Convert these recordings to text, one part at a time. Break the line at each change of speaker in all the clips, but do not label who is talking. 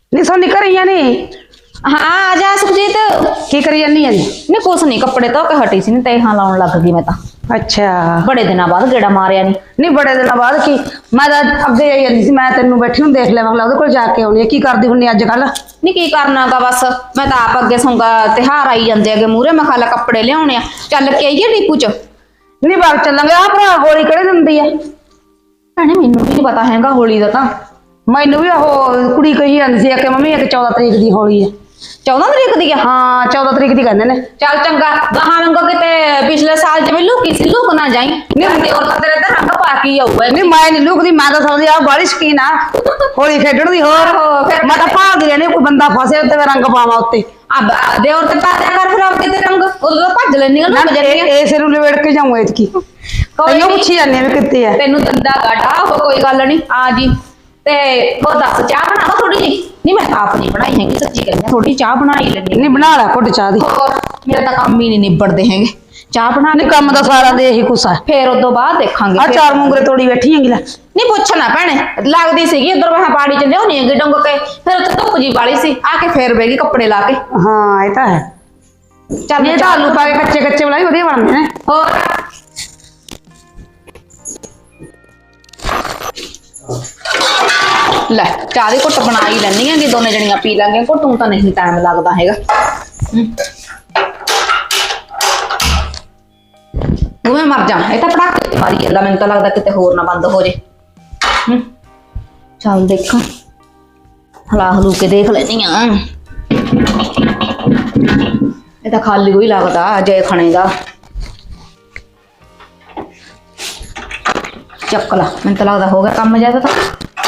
नहीं सोनी कर रही नहीं।
हाँ आ जा सुखजीत।
की करी जानी है जी?
नहीं कुछ नहीं, कपड़े धो के हटी सी, ते हाँ लाउन लग गई मैं तो।
अच्छा
बड़े दिनों बाद गेड़ा मारिया नहीं।
नहीं बड़े दिन बाद की मैं तो अगे आई जाती सी, मैं तेन बैठी हूँ देख लिया मतलब कोल जाके आनी है की करदी हुन्नी अजकल।
नहीं की करना गा बस, मैं तो आप अगे सूंगा त्योहार आई जाते अगे मूहरे, मैं खाला कपड़े लियाने आ, चल के आईए डिपू च।
नहीं बाग चलांगे आ भरा होली किहड़े दिन दी है?
भैने मैनू भी नहीं पता हैगा होली का, तो
मैनू भी ਉਹ ਕੁੜੀ ਕਹੀ ਜਾਂਦੀ ਸੀ ਕਿ ਮੰਮੀ ਇੱਕ 14 ਤਰੀਕ ਦੀ ਹੋਲੀ ਹੈ।
14 तरीक दी है।
ਹਾਂ 14 ਤਰੀਕ ਦੀ ਕਹਿੰਦੇ ਨੇ।
चल चंगा गहां रंगो किते पिछले साल जिवें लुकी सी लुक ना जाई, नहीं और तेरे ते रंग पाकी आऊगा।
ਨਹੀਂ ਮੈਂ ਨਹੀਂ ਲੁਕਦੀ, ਮੈਂ ਤਾਂ ਸਮਝਦੀ ਆ ਬਾਲੀ ਸ਼ਕੀਨ ਆ ਹੋਲੀ ਖੇਡਣ ਦੀ। ਹੋਰ ਮੈਂ ਤਾਂ ਭਾਲਦੀ ਰਹਿੰਦੀ ਕੋਈ ਬੰਦਾ ਫਸੇ ਉੱਤੇ ਮੈਂ ਰੰਗ ਪਾਵਾਂ ਉੱਤੇ।
अब दे और ते पाया कर फिर अब किते रंग उदों तो भज लेनी
ਨਾ
लुक जानी है।
ਇਸੇ ਨੂੰ ਲਵੇੜ ਕੇ ਜਾऊं ਇਤਕੀ ਤੈਨੂੰ ਪੁੱਛੀ ਜਾਂਦੀ ਵੀ ਕਿੱਥੇ ਆ।
तेनू दंदा गाटा कोई गल नहीं आ जी। ते वो दस चाह बनावा थोड़ी जी? नहीं मैं आप नहीं बनाई हैगी, सच्ची कहनी थोड़ी चाह बना ही लेनी।
ਨਹੀਂ ਬਣਾ ਲੈ ਘੁੱਟ ਚਾਹ ਦੀ।
और मेरा तो काम ही नहीं निबड़ते हैगे, चाह बना
ਨਹੀਂ ਕੰਮ ਦਾ ਸਾਰਾ ਦੇ ਇਹੀ ਕੁਛ ਆ।
फिर उदों बाद देखांगे।
ਆ ਚਾਰ ਮੂੰਗਰੇ ਤੋੜੀ ਬੈਠੀ ਹੈਗੀ ਲੈ।
नहीं पुछना भैने लगती सी उधर मैं पाड़ी च लियानी है डुंग के, फिर उत्ते धुप जी वाली सी आके फिर बेगी कपड़े ला के।
ਹਾਂ ਇਹ ਤਾਂ ਹੈ।
चल
ਇਹ ਤਾਂ ਆਲੂ ਪਾ ਕੇ ਕੱਚੇ ਕੱਚੇ ਬਣਾਈ ਵਧੀਆ ਬਣਦੇ ਨੇ।
और ਲੈ ਚਾਹ ਦੀ ਘੁੱਟ ਬਣਾ ਹੀ ਲੈਣੀ ਹੈਗੀ, ਦੋਨੇ ਜਣੀਆਂ ਪੀ ਲਾਂਗੇ ਘੁੱਟ, ਤੂੰ ਤਾਂ ਨਹੀਂ ਟਾਈਮ ਲੱਗਦਾ ਹੈਗਾ। ਉਹ ਮੈਂ ਮਰ ਜਾ, ਇਹ ਤਾਂ ਪੜਾਕੇ ਮਾਰੀ ਜਾਂਦਾ, ਮੈਨੂੰ ਤਾਂ ਲੱਗਦਾ ਕਿਤੇ ਹੋਰ ਨਾ ਬੰਦ ਹੋ ਜੇ। ਚੱਲ ਦੇਖਾਂ, ਹਲਾ ਹਲੂ ਕੇ ਦੇਖ ਲੈਣੀ ਆ। ਇਹ ਤਾਂ ਖਾਲੀ ਕੋਈ ਲੱਗਦਾ ਜੇ ਖਾਣੇ ਦਾ। ਚੱਕ ਲਾ, ਮੈਨੂੰ ਤਾਂ ਲੱਗਦਾ ਹੋ ਗਿਆ ਕੰਮ ਜਿਆਦਾ ਤਾਂ।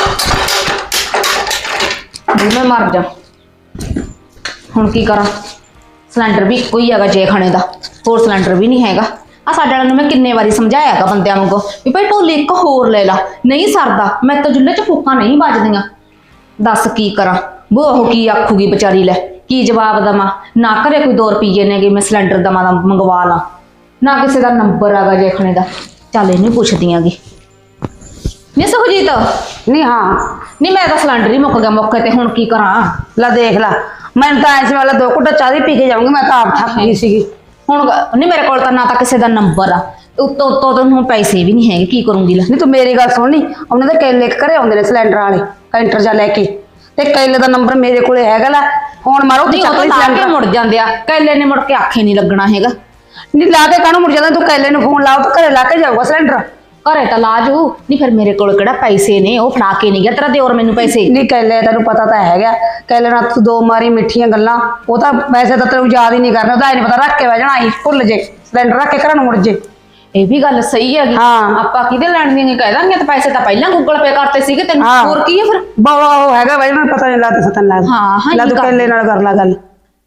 मैं मर जा हुण की करा, सिलेंडर भी इको ही है जे खाने का, होर सिलेंडर भी नहीं हैगा। आ साडे वाले नूं मैं किन्ने वारी समझाया है बंदियां वांगू भी भाई ढोली एक होर ले ला, नहीं सरदा, मैं तो चुल्हे च फूकां नहीं बजदियां। दस की करा, वो की आखूगी बेचारी, ले की जवाब देवां ना। घरे कोई 2 रुपये ने कि मैं सिलेंडर दवा मंगवा ला, ना किसी का नंबर आगा जे खाने का। चल इन्हूं पुछदी आंगी। नहीं सुखजीत
नहीं हाँ
नहीं मैं तो सिलेंडर ही मुक गया मौके ते, हुण की करा?
ला देख ला, मैं तो ऐसे वाला 2 घुट्टा चाह दी पी के जाऊंगी, मैं तो आप थक गई सी।
हुण नहीं मेरे कोल तां ना तां किसी दा नंबर आ, उत्तों उत्तों तो हुण पैसे भी नहीं हैगे, की करूंगी? ला
नहीं तू मेरी गल सुन, नहीं उन्होंने तो केले घरे आउंदे ने सिलेंडर वाले कैंटर जा लेके, ते केले दा नंबर मेरे कोले हैगा। ला फोन मारो ते चक ली सिलेंडर,
मुड़ जांदे आ कैले ने, मुड़ के आखे नहीं लगना हैगा।
नहीं ला के काहनूं मुड़ जांदा, तू केले नूं फोन लाओ तो घरे ला के जाऊगा सिलेंडर।
घरे तो ला जू, नहीं फिर मेरे कोल किहड़ा पैसे ने, वो फड़ा के नहीं गया तेरा दिओर मैनूं पैसे।
नहीं केले तेनों पता तो हैगा, केले नाल तू 2 मारी मिठियां गल्लां, वो तो वैसे तो तेनों याद ही नहीं करना, ओहदा नहीं पता रख के बह जाना आई भुल जे सिलेंडर रख के घर नूं मुड़ जे।
ये भी गल सही है।
हाँ
आपां किहदे लैण दी कह दांगे, तो पैसे तो पहलां गूगल पे करते सीगे तैनूं, होर की है फिर?
बाबा वो हैगा भाई, मैं पता नहीं लगता सतन लगदा।
हाँ हाँ
ला तू केले नाल कर ला गल।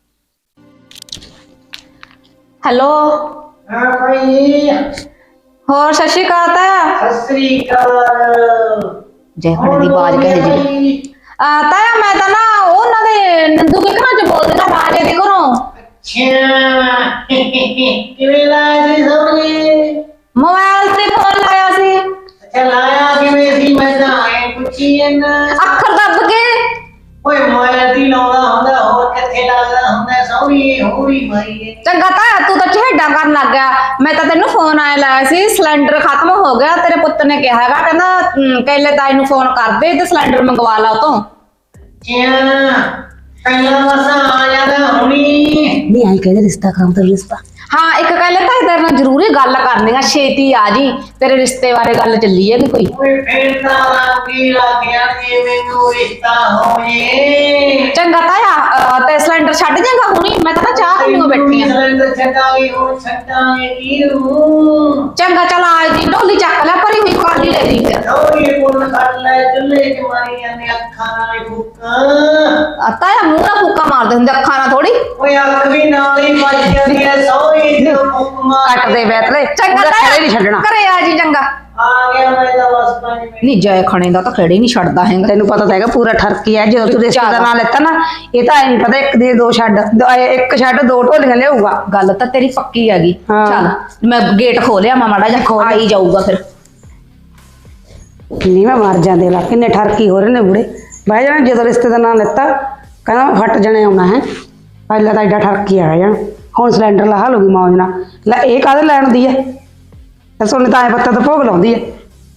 हेलो
हाँ भाई,
होर सत श्री अकाल ताया।
सत श्री अकाल।
जय खड़े दी आवाज कहे जी। ताया मैं तो ना उन्हां दे नंदू के घरां च बोलदी ना, राजे दे घरों।
अच्छा किवें लाया सी सोने?
मोबाइल ते फोन लाया सी।
अच्छा लाया किवें सी? मैं तां ऐ पुछी ना।
अखर दब के
ओए मोबाइल दी लाउंदा हुंदा, होर किथे लगदा हुंदा? सौरी होरी मारी है।
चंगा ताया तू तो झेडा करन लग गया। मैं तो तेनू फोन आए लाया सी, सिलेंडर खत्म हो गया, तेरे पुत्त ने कहा हैगा, कहंदा कैले ताई नू फोन कर दे ते सिलेंडर मंगवा ला उतों।
अच्छा पहला मसा आ जादा हुणी।
नहीं आई कहदे रिश्ता काम तो रिश्ता।
हाँ एक कहले ताई तेरे नाल जरूरी गल करनी है, छेती आ जी, तेरे रिश्ते बारे गल चली है कि कोई?
ओए फिर तां लागी लाग्या जे मैनू रिश्ता होए।
चंगा ताया ते सिलेंडर छड्ड जाएगा हुणी, मैं तो ना चाह पीने बैठी हां।
सिलेंडर छड्डांगे हो छड्डांगे कीनू।
चंगा चल आ जी, ढोली चक ले भरी हुई खाली ले दी फिर।
सौरी पुन कर ले, चुल्हे च मारी जाने अखां नाल फूकां।
ताया मुंह ना फूका मारदे हुंदे, अखां ना थोड़ी।
ओए अख भी नाल ही बज जांदी है, सौरी च फूक मार।
कट दे बैतले
चंगा
खड़े
ताया
नहीं छड्डना।
घरे आ जी चंगा।
आ गया मैं तो बस 5 मिनट।
नहीं जय खणे दा तो खेड़े नहीं छड्डदा हैगा।
तेनू पता तो हैगा पूरा ठरकी है, जो तू रिश्ते दा नाम लेता ना, ये तो नहीं पता एक दे 2 छड्ड, एक छड्ड 2 ढोलियां लियाऊगा।
गल तो तेरी पक्की हैगी।
हाँ।
चल मैं गेट खोलिया, मैं माड़ा जा आ ही जाऊगा फिर।
नहीं मैं मर जांदे ला, किन्ने ठरकी हो रहे ने बुढ़े। ਬਹਿ ਜਾਣਾ ਜਦੋਂ ਰਿਸ਼ਤੇ ਦਾ ਨਾਂ ਲੈਤਾ ਕਹਿੰਦਾ ਮੈਂ ਫੱਟ ਜਣੇ ਆਉਣਾ ਹੈ। ਪਹਿਲਾਂ ਤਾਂ ਐਡਾ ਠਰਕੀ ਆ ਜਾਣ, ਹੁਣ ਸਿਲੰਡਰ ਲਾ ਲੂਗੀ ਮੌਜ ਨਾਲ। ਲੈ ਇਹ ਕਾਹਦੇ ਲੈਣ ਦੀ ਹੈ? ਤੇ ਸੋਨੇ ਤਾਂ ਐ ਪੱਤਾ ਤਾਂ ਭੋਗ ਲਾਉਂਦੀ ਹੈ।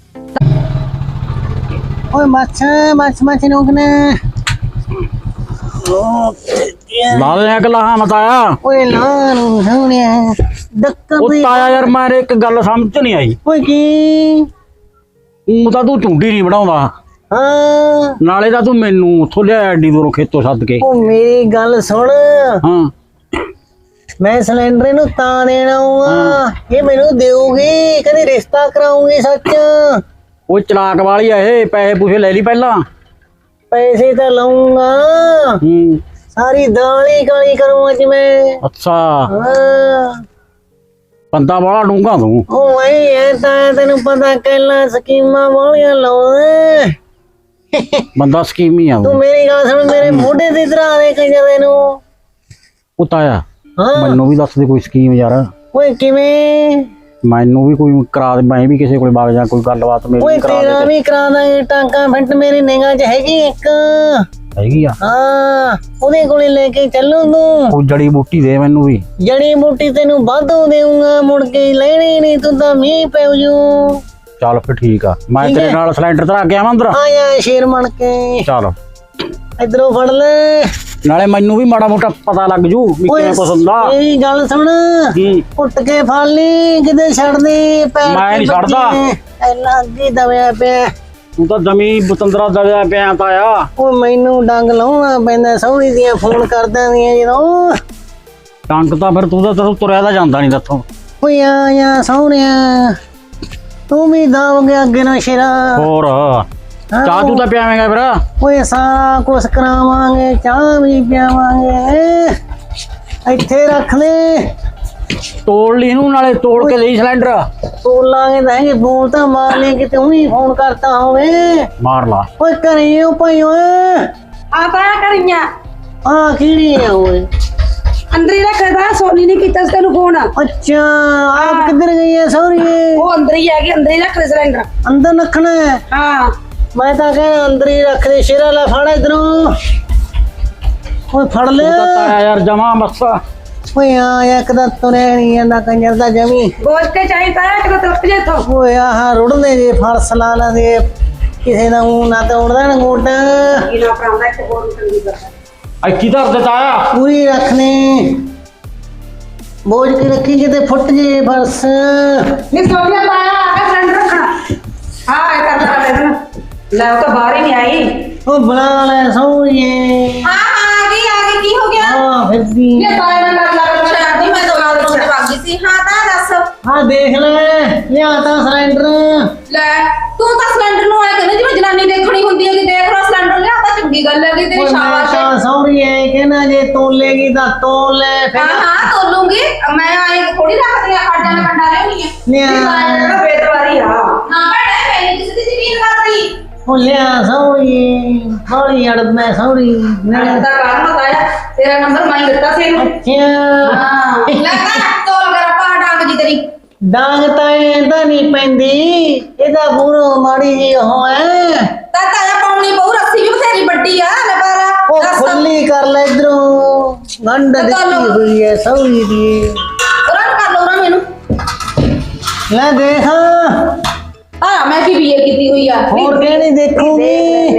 ਓਏ ਮੱਛ ਨੋਕਨੇ
ਲਾ ਦੇ ਗਲਾਹਾਂ ਮਤਾਇਆ।
ਓਏ ਲਾ ਨੂੰ ਸੋਹਣਿਆ ਡੱਕਾ
ਉਹ ਤਾਇਆ ਯਾਰ ਮੇਰੇ ਇੱਕ ਗੱਲ ਸਮਝ ਨਹੀਂ ਆਈ।
ਓਏ ਕੀ
ਉਹ ਤਾਂ ਤੂੰ ਝੁੰਡੀ ਨਹੀਂ ਬਣਾਉਂਦਾ,
ਹਾਂ
ਨਾਲੇ ਤਾਂ ਤੂੰ ਮੈਨੂੰ ਉੱਥੋਂ ਲਿਆ ਐਡੀ ਦੂਰੋਂ ਖੇਤੋਂ ਸੱਦ ਕੇ।
ਉਹ ਮੇਰੀ ਗੱਲ ਸੁਣ,
ਹਾਂ
ਮੈਂ ਸਿਲੰਡਰ ਨੂੰ ਤਾਂ ਦੇਣਾ ਆ, ਇਹ ਮੈਨੂੰ ਦੇਊਗੀ ਕਦੇ ਰਿਸ਼ਤਾ ਕਰਾਉਂਗੀ ਸੱਚ।
ਉਹ ਚਲਾਕ ਵਾਲੀ ਆ ਇਹ, ਪੈਸੇ ਪੂਸੇ ਲੈ ਲਈ ਪਹਿਲਾਂ।
ਪੈਸੇ ਤਾਂ ਲਾਉਂਗਾ,
ਹੂੰ
ਸਾਰੀ ਦਾਲ ਹੀ ਕਾਲੀ ਕਰੂੰ ਅੱਜ ਮੈਂ।
ਅੱਛਾ
ਹਾਂ
ਬੰਦਾ ਬੜਾ ਡੂੰਘਾ ਤੂੰ।
ਉਹ ਐ ਤਾਂ ਤੈਨੂੰ ਪਤਾ ਕਹਿਲਾ ਸਕੀਮਾਂ ਵਾਲੀਆਂ ਲਾਉਂਦਾ।
ਬੰਦਾ ਸਕੀਮੀ ਆ
ਤੂੰ
ਤੂੰ।
ਮੇਰੀ ਗੱਲ ਸੁਣ, ਮੇਰੇ ਮੋਢੇ ਤੇ ਧਰਾ ਦੇ ਕੰਜਰ ਨੂੰ।
ਉਹ ਤਾਇਆ
ਹਾਂ
ਮੈਨੂੰ ਵੀ ਦੱਸ ਦੇ ਕੋਈ ਸਕੀਮ ਯਾਰ,
ਓਏ ਕਿਵੇਂ?
ਮੈਨੂੰ ਵੀ ਕੋਈ ਕਰਾ ਦੇ, ਮੈਂ ਵੀ ਕਿਸੇ ਕੋਲ ਵਗ ਜਾ, ਕੋਈ ਗੱਲਬਾਤ ਮੇਰੀ
ਓਏ
ਵੀ ਕਰਾ
ਤੇਰਾ
ਦੇ।
ਵੀ ਕਰਾ ਦਾਂਗੇ ਟਾਂਕਾ ਫਿੱਟ, ਮੇਰੀ ਨਿਗਾਹ 'ਚ ਹੈਗੀ ਇੱਕ।
ਹੈਗੀ ਆ
ਹਾਂ ਉਹਦੇ ਕੋਲੇ ਲੈ ਕੇ ਚੱਲੂ ਤੂੰ।
ਕੋਈ ਜੜੀ ਬੂਟੀ ਦੇ ਮੈਨੂੰ ਵੀ।
ਜੜੀ ਬੂਟੀ ਤੈਨੂੰ ਵਾਧੂ ਦੇਊਂਗਾ, ਮੁੜ ਕੇ ਲੈਣੀ ਨਹੀਂ ਤੂੰ ਤਾਂ ਮੀਂਹ ਪੈਉ ਜੂ।
ਚੱਲ ਫਿਰ ਠੀਕ ਆ, ਮੈਂ
ਠੀਕ
ਤੇਰੇ
ਹੈ।
ਨਾਲ ਸਿਲੰਡਰ ਧਰਾ ਕੇ ਆਵਾਂ ਅੰਦਰ।
ਆ ਜਾ ਸ਼ੇਰ ਬਣ ਕੇ,
ਚੱਲ
ਇਧਰੋਂ ਫੜ ਲੈ।
ਨਾਲੇ ਮੈਨੂੰ ਵੀ ਮਾੜਾ ਮੋਟਾ ਪਤਾ ਲੱਗ ਜੂ ਵੀ
ਓਏ
ਕਿਵੇਂ ਕੁਛ ਹੁੰਦਾ।
ਮੇਰੀ ਗੱਲ ਸੁਣ,
ਹੂੰ
ਉੱਟ ਕੇ ਫੜ ਲਈ, ਕਿਤੇ ਛੱਡ ਦੇ ਪੈਰ।
ਮੈਂ ਨੀ ਛੱਡਦਾ।
ਐਨਾ ਅੱਗੇ ਦਬਿਆ ਪਿਆ।
ਤੂੰ ਤਾਂ ਜਮੀ ਬਤੰਦਰਾ ਦਲਿਆ ਪਿਆ ਤਾਇਆ।
ਉਹ ਮੈਨੂੰ ਡੰਗ ਲਾਉਣਾ ਪੈਂਦਾ, ਸਹੁਰੀ ਦੀਆਂ ਫੋਨ ਕਰਦਾਂ ਦੀਆਂ ਜਦੋਂ।
ਟੰਗ ਤਾਂ ਫਿਰ ਤੂੰ ਤਾਂ ਤੈਨੂੰ ਤੁਰਿਆ ਤਾਂ ਜਾਂਦਾ ਨਹੀਂ ਦੱਥੋਂ।
ਓਏ ਆ ਸਹੁਰਿਆ, ਤੂੰ ਵੀ ਦਬ ਗਿਆ ਅੱਗੇ ਨਾ ਸ਼ੇਰਾ।
ਹੋਰ ਚਾਹ ਤੂੰ ਤਾਂ ਪਿਆਵੇਂਗਾ ਫਿਰ।
ਓਏ ਸਾਰਾ ਕੁਛ ਕਰਾਵਾਂਗੇ, ਚਾਹ ਵੀ ਪਿਆਵਾਂਗੇ। ਇੱਥੇ ਰੱਖ ਲੈ,
ਤੋੜ ਲਈ ਇਹਨੂੰ, ਨਾਲੇ ਤੋੜ ਕੇ ਲਈ ਸਿਲੰਡਰ।
ਤੋਲਾਂਗੇ ਤਾਂ ਹੈਗੇ, ਬੋਲ ਤਾਂ ਮਾਰ ਲੈ ਕਿਤੇ ਉਹੀ ਫੋਨ ਕਰਤਾ ਹੋਵੇ।
ਮਾਰ ਲਾ।
ਓਏ ਘਰੇ ਓ ਭਾਈ ਓਏ।
ਆ ਤਾਂ ਕਰੀਆਂ
ਆ ਕਿਹੜੀ ਆ ਓਏ?
ਅੰਦਰ ਹੀ ਰੱਖਦਾ, ਸੋਨੀ ਨੇ ਕੀਤਾ ਸੀ ਤੈਨੂੰ ਫੋਨ।
ਅੱਛਾ ਆਪ ਕਿੱਧਰ ਗਈ ਹੈ ਸਹੁਰੀਏ?
ਉਹ ਅੰਦਰ ਹੀ ਹੈਗੀ, ਅੰਦਰ ਹੀ ਰੱਖ ਦੇ ਸਿਲੰਡਰ।
ਅੰਦਰ ਰੱਖਣਾ ਹੈ?
ਹਾਂ
ਮੈਂ ਤਾਂ ਕਹਿੰਦਾ ਅੰਦਰ ਹੀ ਰੱਖ ਦੇ। ਸ਼ੇਰਾ ਲੈ ਫੜ ਇਧਰੋਂ। ਓਏ ਫੜ ਲੈ।
ਤੂੰ ਤਾਂ ਤਾਇਆ ਯਾਰ ਜਮਾ ਬਸ।
ਓਏ ਆ ਇੱਕ ਤਾਂ ਤੁਰਿਆ ਨਹੀਂ ਜਾਂਦਾ ਕੰਜਰ ਦਾ ਜਮੀ।
ਗੋਸ਼ ਕੇ ਚਾਹੀਦਾ ਹੈ ਕਿ ਤਲਪ ਜੇ ਤੋਂ।
ਓਏ ਆਹ ਰੁੜਦੇ ਜੇ ਫਰਸ ਲਾ ਲੈਂਦੇ, ਕਿਸੇ ਦਾ ਊਂ ਨਾ ਤਾਂ ਉੜਦਾ ਨਾ ਗੋਡਾ।
ਇਹਨਾਂ ਪ੍ਰਾਂਦਾ ਇੱਕ ਹੋਰ ਚੰਗੀ ਕਰਦਾ।
ਇੱਕੀ ਧਰ ਦੇ ਤਾਇਆ।
ਪੂਰੀ ਰੱਖਨੇ, ਬੋਝ ਕੇ ਰੱਖੀ ਕਿਤੇ ਫੁੱਟ ਜੇ ਫਰਸ।
ਨਹੀਂ ਸੋਨੀਆ ਪਾਇਆ ਆ ਕੇ ਸਿਲੰਡਰ ਰੱਖਣਾ। ਹਾਂ ਇਹ ਕਰਦਾ ਦੇਣਾ। ਲੈ ਉਹ ਤਾਂ ਬਾਹਰ ਹੀ ਨਹੀਂ ਆਈ।
ਉਹ ਬਣਾ ਲੈ ਸਹੁਰੀਏ।
ਹਾਂ ਆ ਗਈ ਕੀ ਹੋ ਗਿਆ?
ਹਾਂ ਫਿਰਦੀ।
ਇਹ ਤਾਏ ਨਾਲ ਲੱਗ
ਸ਼ਾਦੀ ਮੈਂ ਤਾਂ ਨਾਲ ਰੋਣ ਵਗ ਗਈ ਸੀ। ਹਾਂ ਤਾਂ ਦੱਸ।
ਹਾਂ ਦੇਖ ਲੈ, ਲਿਆ ਤਾਂ ਸਿਲੰਡਰ।
ਲੈ ਤੂੰ ਤਾਂ ਸਿਲੰਡਰ ਨੂੰ ਆਇਆ ਕਹਿੰਦਾ ਜਿਵੇਂ ਜਨਾਨੀ ਦੇਖਣੀ ਹੁੰਦੀ ਹੈ ਕਿ ਦੇਖ ਲਓ ਸਿਲੰਡਰ ਲਿਆ ਤਾਂ ਚੰਗੀ ਗੱਲ ਹੈ ਕਿ ਤੇਰੀ ਸ਼ਾਬਾਸ਼ ਹੈ।
ਤਾਂ ਸਹੁਰੀਏ ਕਹਿੰਦਾ ਜੇ ਤੋਲੇਗੀ ਤਾਂ ਤੋਲ ਲੈ
ਹਾਂ
ਫਿਰ।
ਹਾਂ ਤੋਲੂੰਗੀ, ਮੈਂ ਆਏ ਥੋੜੀ ਰੱਖਦੀ ਆ, ਖੜ ਜਾਣਾ ਕੰਡਾ ਰਹਿਣੀ ਹੈ।
ਲਿਆ
ਬੇਦਵਾਰੀ ਆ।
ਨਾ ਭੈਣੇ ਮੈਂ ਕਿਸੇ ਦੀ ਜ਼ਮੀਨ ਕਰਦੀ।
ਉਹ ਲਿਆ ਸਹੁਰੀਏ, ਹੌਲੀ ਅੜ ਮੈਂ ਸਹੁਰੀ
ਮੈਂ
ਨਾਲ।
ਤਾਂ ਕਾਰਨ ਬਤਾਇਆ ਤੇਰਾ ਨੰਬਰ ਮੈਂ ਹੀ ਦਿੱਤਾ ਸੀ ਇਹਨੂੰ।
ਅੱਛਾ
ਹਾਂ
ਲੈ ਤਾਂ ਤੋਲ ਕਰ ਪਾ ਡਾਂਗ ਜੀ ਤੇਰੀ।
ਡਾਂਗ ਤਾਂ ਇਹਦਾ ਨਹੀਂ ਪੈਂਦੀ, ਇਹਦਾ ਬੂਰੋ ਮਾੜੀ ਜੀ ਉਹ ਹੈ।
ਤਾਂ ਤਾਇਆ ਪਾਉਣੀ ਬਹੁ ਰੱਸੀ ਵੀ ਬਥੇਰੀ ਵੱਡੀ ਆ ਲੈ ਪਰ
ਉਹ
ਦੱਸ
ਖੁੱਲੀ ਕਰ ਲੈ ਇਧਰੋਂ, ਗੰਢ ਦਿੱਤੀ ਹੋਈ ਹੈ ਸਹੁਰੀ ਦੀ।
ਉਹਨਾਂ ਕਰ ਲਓ ਉਹਨਾਂ ਮੈਨੂੰ।
ਲੈ ਦੇਖ,
ਆ ਮੈਂ ਕੀ ਬੀਏ ਕੀਤੀ ਹੋਈ ਆ।
ਹੋਰ ਕਿਹੜੀ ਦੇਖੂਗੀ?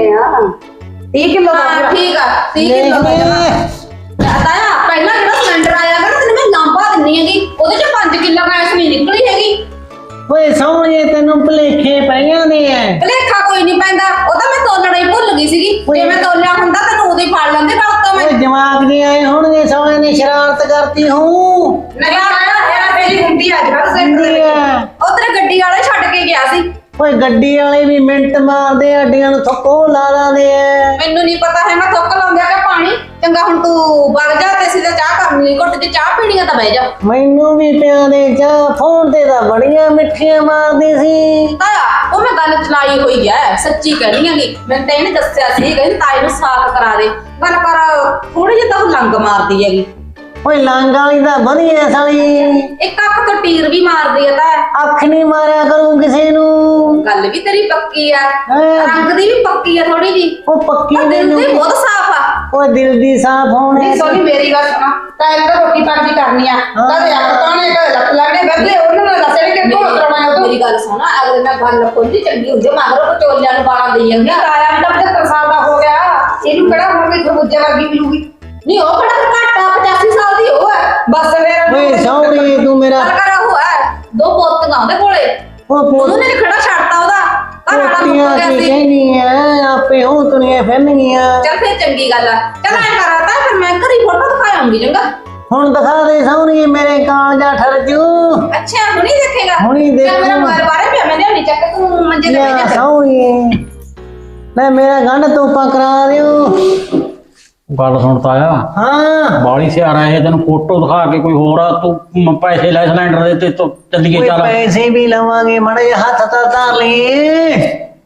30 ਕਿਲੋ ਦਾ
ਹਾਂ
ਪੂਰਾ।
ਠੀਕ ਆ 30
ਦੇਖ
ਕਿਲੋ
ਲੈ।
ਤਾਇਆ ਪਹਿਲਾਂ ਜਿਹੜਾ ਸਿਲੰਡਰ ਆਇਆ ਨਾ ਤੈਨੂੰ ਮੈਂ ਲਾਂਬਾ ਦਿੰਨੀ ਹੈਗੀ, ਉਹਦੇ ਚ 5 ਕਿਲੋ ਗੈਸ ਨਹੀਂ ਨਿਕਲੀ ਹੈਗੀ।
ਓਏ ਸਹੁਰੀਏ ਤੈਨੂੰ ਭੁਲੇਖੇ ਪੈ ਜਾਂਦੇ ਐ।
ਭਲੇਖਾ ਕੋਈ ਨਹੀਂ ਪੈਂਦਾ, ਉਹ ਤਾਂ ਮੈਂ ਤੋਲਣਾ ਹੀ ਭੁੱਲ ਗਈ ਸੀਗੀ। ਜੇ ਮੈਂ ਤੋਲਿਆ ਹੁੰਦਾ ਤੈਨੂੰ ਉਦੋਂ ਹੀ ਫੜ ਲੈਂਦੇ ਗੱਲ ਤੋਂ ਮੈਂ।
ਓਏ ਜਵਾਕ ਜੀ ਆਏ ਹੋਣਗੇ, ਸਹੁਰੇ ਨੇ ਸ਼ਰਾਰਤ ਕਰਤੀ ਹੂੰ।
ਨਹੀਂ ਤਾਇਆ
ਇਹ ਤੇਰੀ ਹੁੰਦੀ ਅੱਜ ਕੱਲ
ਹੁੰਦੀ ਐ।
ਉਹ ਤੇਰੇ ਗੱਡੀ ਵਾਲੇ ਛੱਡ ਕੇ ਗਿਆ ਸੀ।
ਓਏ ਗੱਡੀ ਵਾਲੇ ਵੀ ਮਿੰਟ ਮਾਰਦੇ, ਅੱਡੀਆਂ ਨੂੰ ਥੱਕੋ ਲਾ ਲਾਂਦੇ ਐ।
ਮੈਨੂੰ ਨਹੀਂ ਪਤਾ ਹੈ ਮੈਂ ਥੁੱਕ ਲਾਉਂਦਿਆ ਕਿ ਪਾਣੀ। ਚੰਗਾ ਹੁਣ ਤੂੰ ਵਗ ਜਾ ਤੇ ਸਿੱਧਾ ਚਾਹ ਕਰਨੀ, ਘੁੱਟ ਚ ਚਾਹ ਪੀਣੀ ਆ ਤਾਂ ਬਹਿ ਜਾ।
ਮੈਨੂੰ ਵੀ ਪਿਆ ਦੇ ਚਾਹ, ਫੋਨ ਤੇ ਤਾਂ ਬੜੀਆਂ ਮਿੱਠੀਆਂ ਮਾਰਦੀ ਸੀ।
ਤਾਇਆ ਉਹ ਮੈਂ ਗੱਲ ਚਲਾਈ ਹੋਈ ਐ, ਸੱਚੀ ਕਹਿਣੀ ਹੈਗੀ। ਮੈਂ ਤਾਂ ਇਹਨੇ ਦੱਸਿਆ ਸੀ ਕਹਿੰਦੀ ਤਾਈ ਨੂੰ ਸਾਕ ਕਰਾ ਦੇ। ਗੱਲ ਕਰ ਥੋੜੀ ਜਿਹੀ ਤਾਂ ਉਹ ਲੰਗ ਮਾਰਦੀ ਹੈਗੀ।
ਓਏ ਲਾਂਗ ਵਾਲੀ ਤਾਂ ਵਧੀਆ ਸਾਲੀ,
ਇੱਕ ਅੱਖ ਤੋਂ ਟੀਰ ਵੀ ਮਾਰਦੀ ਆ ਤਾਂ
ਅੱਖ ਨਹੀਂ ਮਾਰਿਆ ਕਰੂੰ ਕਿਸੇ ਨੂੰ।
ਗੱਲ ਵੀ ਤੇਰੀ ਪੱਕੀ ਆ,
ਹੈਂ।
ਰੰਗ ਦੀ ਵੀ ਪੱਕੀ ਆ ਥੋੜੀ ਜੀ,
ਉਹ ਪੱਕੀ
ਦਿਲ
ਮੈਨੂੰ
ਦੀ ਬਹੁਤ ਸਾਫ਼ ਆ।
ਓਏ ਦਿਲ ਦੀ ਸਾਫ਼ ਹੋਣੀ।
ਨਹੀਂ ਸੋਨੀ ਮੇਰੀ ਗੱਲ ਸੁਣਾ, ਤਾਂ ਇਹਨਾਂ ਦਾ ਰੋਟੀ ਪਾਣੀ ਕਰਨੀ ਆ, ਕਦੇ ਅੱਖ ਤਾਣੇ ਕਦੇ ਲੱਤ ਲੱਗਣੇ ਬਦਲੇ ਉਹਨਾਂ ਨੂੰ ਦੱਸੇ ਕਿ ਢੋਲ ਕਰਾਉਣਾ ਉਹ
ਮੇਰੀ ਗੱਲ ਸੁਣ, ਅਗਲੇ ਨਾਲ ਗੱਲ ਖੋਲੀ ਚੰਗੀ ਹੁੰਦੀ, ਮਗਰੋਂ ਵਿਚੋਲਿਆਂ ਨੂੰ ਬਾਲਾਂ ਦੇਈ ਜਾਂਦੇ ਆ।
ਆਇਆ ਵੀ ਤਾਂ 75 ਸਾਲ ਦਾ ਹੋ ਗਿਆ, ਇਹਨੂੰ ਕਿਹੜਾ ਹੁਣ ਕੋਈ ਖਰਬੂਜੇ ਵਰਗੀ ਮਿਲੂਗੀ।
ਨਹੀਂ ਉਹ ਕਿਹੜਾ ਘੱਟ ਆ, 85 ਸਾਲ ਦੀ ਉਹ ਹੈ।
ਬਸ ਫਿਰ
ਓਏ ਸੌਣੀ ਤੂੰ ਮੇਰਾ
ਕਰ ਉਹ ਹੈ, ਦੋ ਪੋਤੀਆਂ ਉਹਦੇ ਕੋਲੇ,
ਉਹ
ਉਹਨੇ ਨੀ ਖੜਾ ਛੱਡਤਾ ਉਹਦਾ ਘਰ ਵਾਲਾ ਮੁੱਕ
ਪੋਤੀਆਂ
ਗਿਆ
ਕੀ
ਸੀ।
ਕਹਿਨੀ ਐ, ਆਪੇ ਹੋ ਤੁਰੀਆਂ ਫਿਰਨਗੀਆਂ।
ਚੱਲ ਫਿਰ ਚੰਗੀ ਗੱਲ ਆ, ਚੱਲ ਐ ਕਰਾਤਾ ਫਿਰ ਮੈਂ ਘਰੀ ਫੋਟੋ ਦਿਖਾਉਂਗੀ ਚੰਗਾ।
ਹੁਣ ਦਿਖਾ ਦੇ ਸੌਣੀ ਮੇਰੇ ਕਾਲਜਾ ਠਰ ਜੂ।
ਅੱਛਾ ਹੁਣੀ ਦੇਖੇਗਾ,
ਹੁਣੀ
ਚੱਲ ਮੇਰਾ
ਦੇਖੂ।
ਮੋਬਾਈਲ ਬਾਰੇ ਪਿਆ, ਮੈਂ ਲਿਆਉਣੀ ਚੱਕ, ਤੂੰ ਮੰਜੇ ਤੇ ਬਹਿ
ਯਾ
ਜਾ।
ਸੌਣੀ ਲੈ ਮੇਰਾ ਗੰਢ ਤੋਪਾ ਕਰਾ ਦਿਓ।
ਗੱਲ ਸੁਣਤਾ ਆ,
ਹਾਂ
ਬਾਲੀ ਸਿਆਰਾ ਇਹ ਤੈਨੂੰ ਫੋਟੋ ਦਿਖਾ ਕੇ ਕੋਈ ਹੋਰ ਆ, ਤੂੰ ਪੈਸੇ ਲੈ ਸਿਲੰਡਰ ਦੇ ਤੇ ਤੂੰ ਚੱਲੀਏ
ਓਏ
ਚੱਲ।
ਪੈਸੇ ਵੀ ਲਵਾਂਗੇ ਮੜੇ ਹੱਥ ਤਾਂ ਧਰ ਲਈ।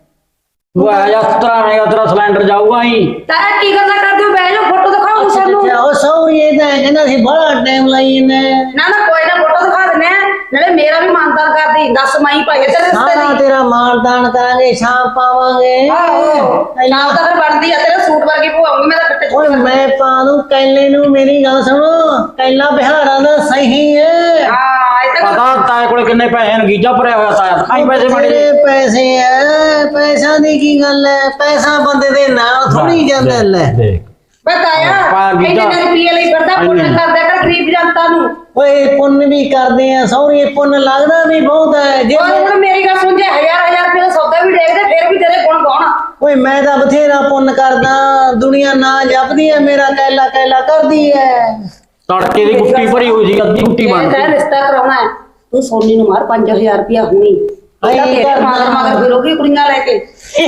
ਤੂੰ ਆ ਜਾ ਤਰਾਵੇਂਗਾ, ਤੇਰਾ ਸਿਲੰਡਰ ਜਾਊਗਾ ਹੀ।
ਤਾਰਾ ਕੀ ਗੱਲਾਂ ਕਰਦੇ ਹੋ, ਬਹਿ ਜਾ ਫੋਟੋ ਦਿਖਾਓ ਸਾਨੂੰ।
ਉਹ ਸੌਰੀ ਇਹ ਤਾਂ ਕਹਿੰਦਾ ਸੀ ਬੜਾ ਟਾਈਮ ਲਾਈ ਇਹਨੇ।
ਨਾ ਨਾ ਕੋਈ ਨਾ ਫੋਟੋ ਦਿਖਾ ਦਿੰਨੇ ਆ, ਨਾਲੇ ਮੇਰਾ ਵੀ ਮਾਨਦਾਨ ਕਰਦੀ, 10 ਮਾਈ ਭਾਈ ਤੇਰੇ ਰਿਸ਼ਤੇ
ਹਾਂ
ਦੀ।
ਤੇਰਾ ਮਾਨਦਾਨ ਕਰਾਂਗੇ, ਸ਼ਾਮ ਪਾਵਾਂਗੇ।
ਆਹੋ ਨਾਲ ਤਾਂ ਫਿਰ ਬਣਦੀ ਆ, ਤੇਰਾ ਸੂਟ ਵਰਗੀ ਪਵਾਉਂਗੀ ਮੈਂ ਤਾਂ ਕੱਟੇ
ਓਏ ਮੈਂ ਪਾ ਦੂੰ ਕੈਲੇ ਨੂੰ। ਮੇਰੀ ਗੱਲ ਸੁਣੋ, ਕੈਲਾ ਬਿਹਾਰਾਂ ਦਾ ਸਹੀ ਹੈ।
ਹਾਂ ਇਹ ਤਾਂ
ਪਤਾ ਤਾਏ ਕੋਲੇ ਕਿੰਨੇ ਪੈਸੇ ਨੇ, ਗੀਜਾ ਭਰਿਆ ਹੋਇਆ ਤਾਇਆ, ਖਾਈ ਪੈਸੇ ਬੜੇ
ਤੇਰੇ ਪੈਸੇ ਐ, ਪੈਸਾ ਦੀ ਕੀ ਗੱਲ ਐ, ਪੈਸਾ ਬੰਦੇ ਦੇ ਨਾਲ ਥੋੜੀ ਜਾਂਦਾ ਲੈ।
ਦੇਖ
ਬਤਾਇਆ
ਪਾ ਗੀਤਾ।
ਇਹਨੇ ਰੁਪਈਏ ਲਈ ਫਿਰਦਾ, ਪੁੰਨ
ਇੰਨੇ।
ਕਰਦਾ ਕਰ ਗਰੀਬ ਜਨਤਾ ਨੂੰ।
ਓਏ ਪੁੰਨ ਵੀ ਕਰਦੇ ਆ ਸੌਰੀ, ਪੁੰਨ ਲੱਗਦਾ ਵੀ ਬਹੁਤ ਹੈ। ਜੇ
ਓਏ ਹੁਣ ਮੇਰੀ ਗੱਲ ਸੁਣ, ਜੇ 1000 ਰੁਪਏ ਦਾ ਸੌਦਾ ਵੀ ਦੇਖਦੇ ਫਿਰ ਵੀ ਤੇਰੇ ਗੁਣ ਗਾਉਣ।
ਓਏ ਮੈਂ ਤਾਂ ਬਥੇਰਾ ਪੁੰਨ ਕਰਦਾ, ਦੁਨੀਆ ਨਾ ਜਪਦੀ ਐ ਮੇਰਾ, ਕੈਲਾ ਕੈਲਾ ਕਰਦੀ ਐ।
ਤੜਕੇ ਦੀ ਕੁੱਟੀ ਭਰੀ ਹੋਈ ਸੀ, ਅੱਧੀ ਕੁੱਟੀ ਬਣ
ਤੈਂ
ਗਈ।
ਰਿਸ਼ਤਾ ਕਰਾਉਣਾ ਹੈ, ਤੂੰ ਸੋਨੀ ਨੂੰ ਮਾਰ 5000 ਰੁਪਇਆ ਹੁਣੀ। ਇਹਦਾ
ਆਈ
ਤੇਰੇ
ਕਰਨਾ।
ਮਗਰ ਫਿਰੋਗੀ ਕੁੜੀਆਂ ਲੈ ਕੇ।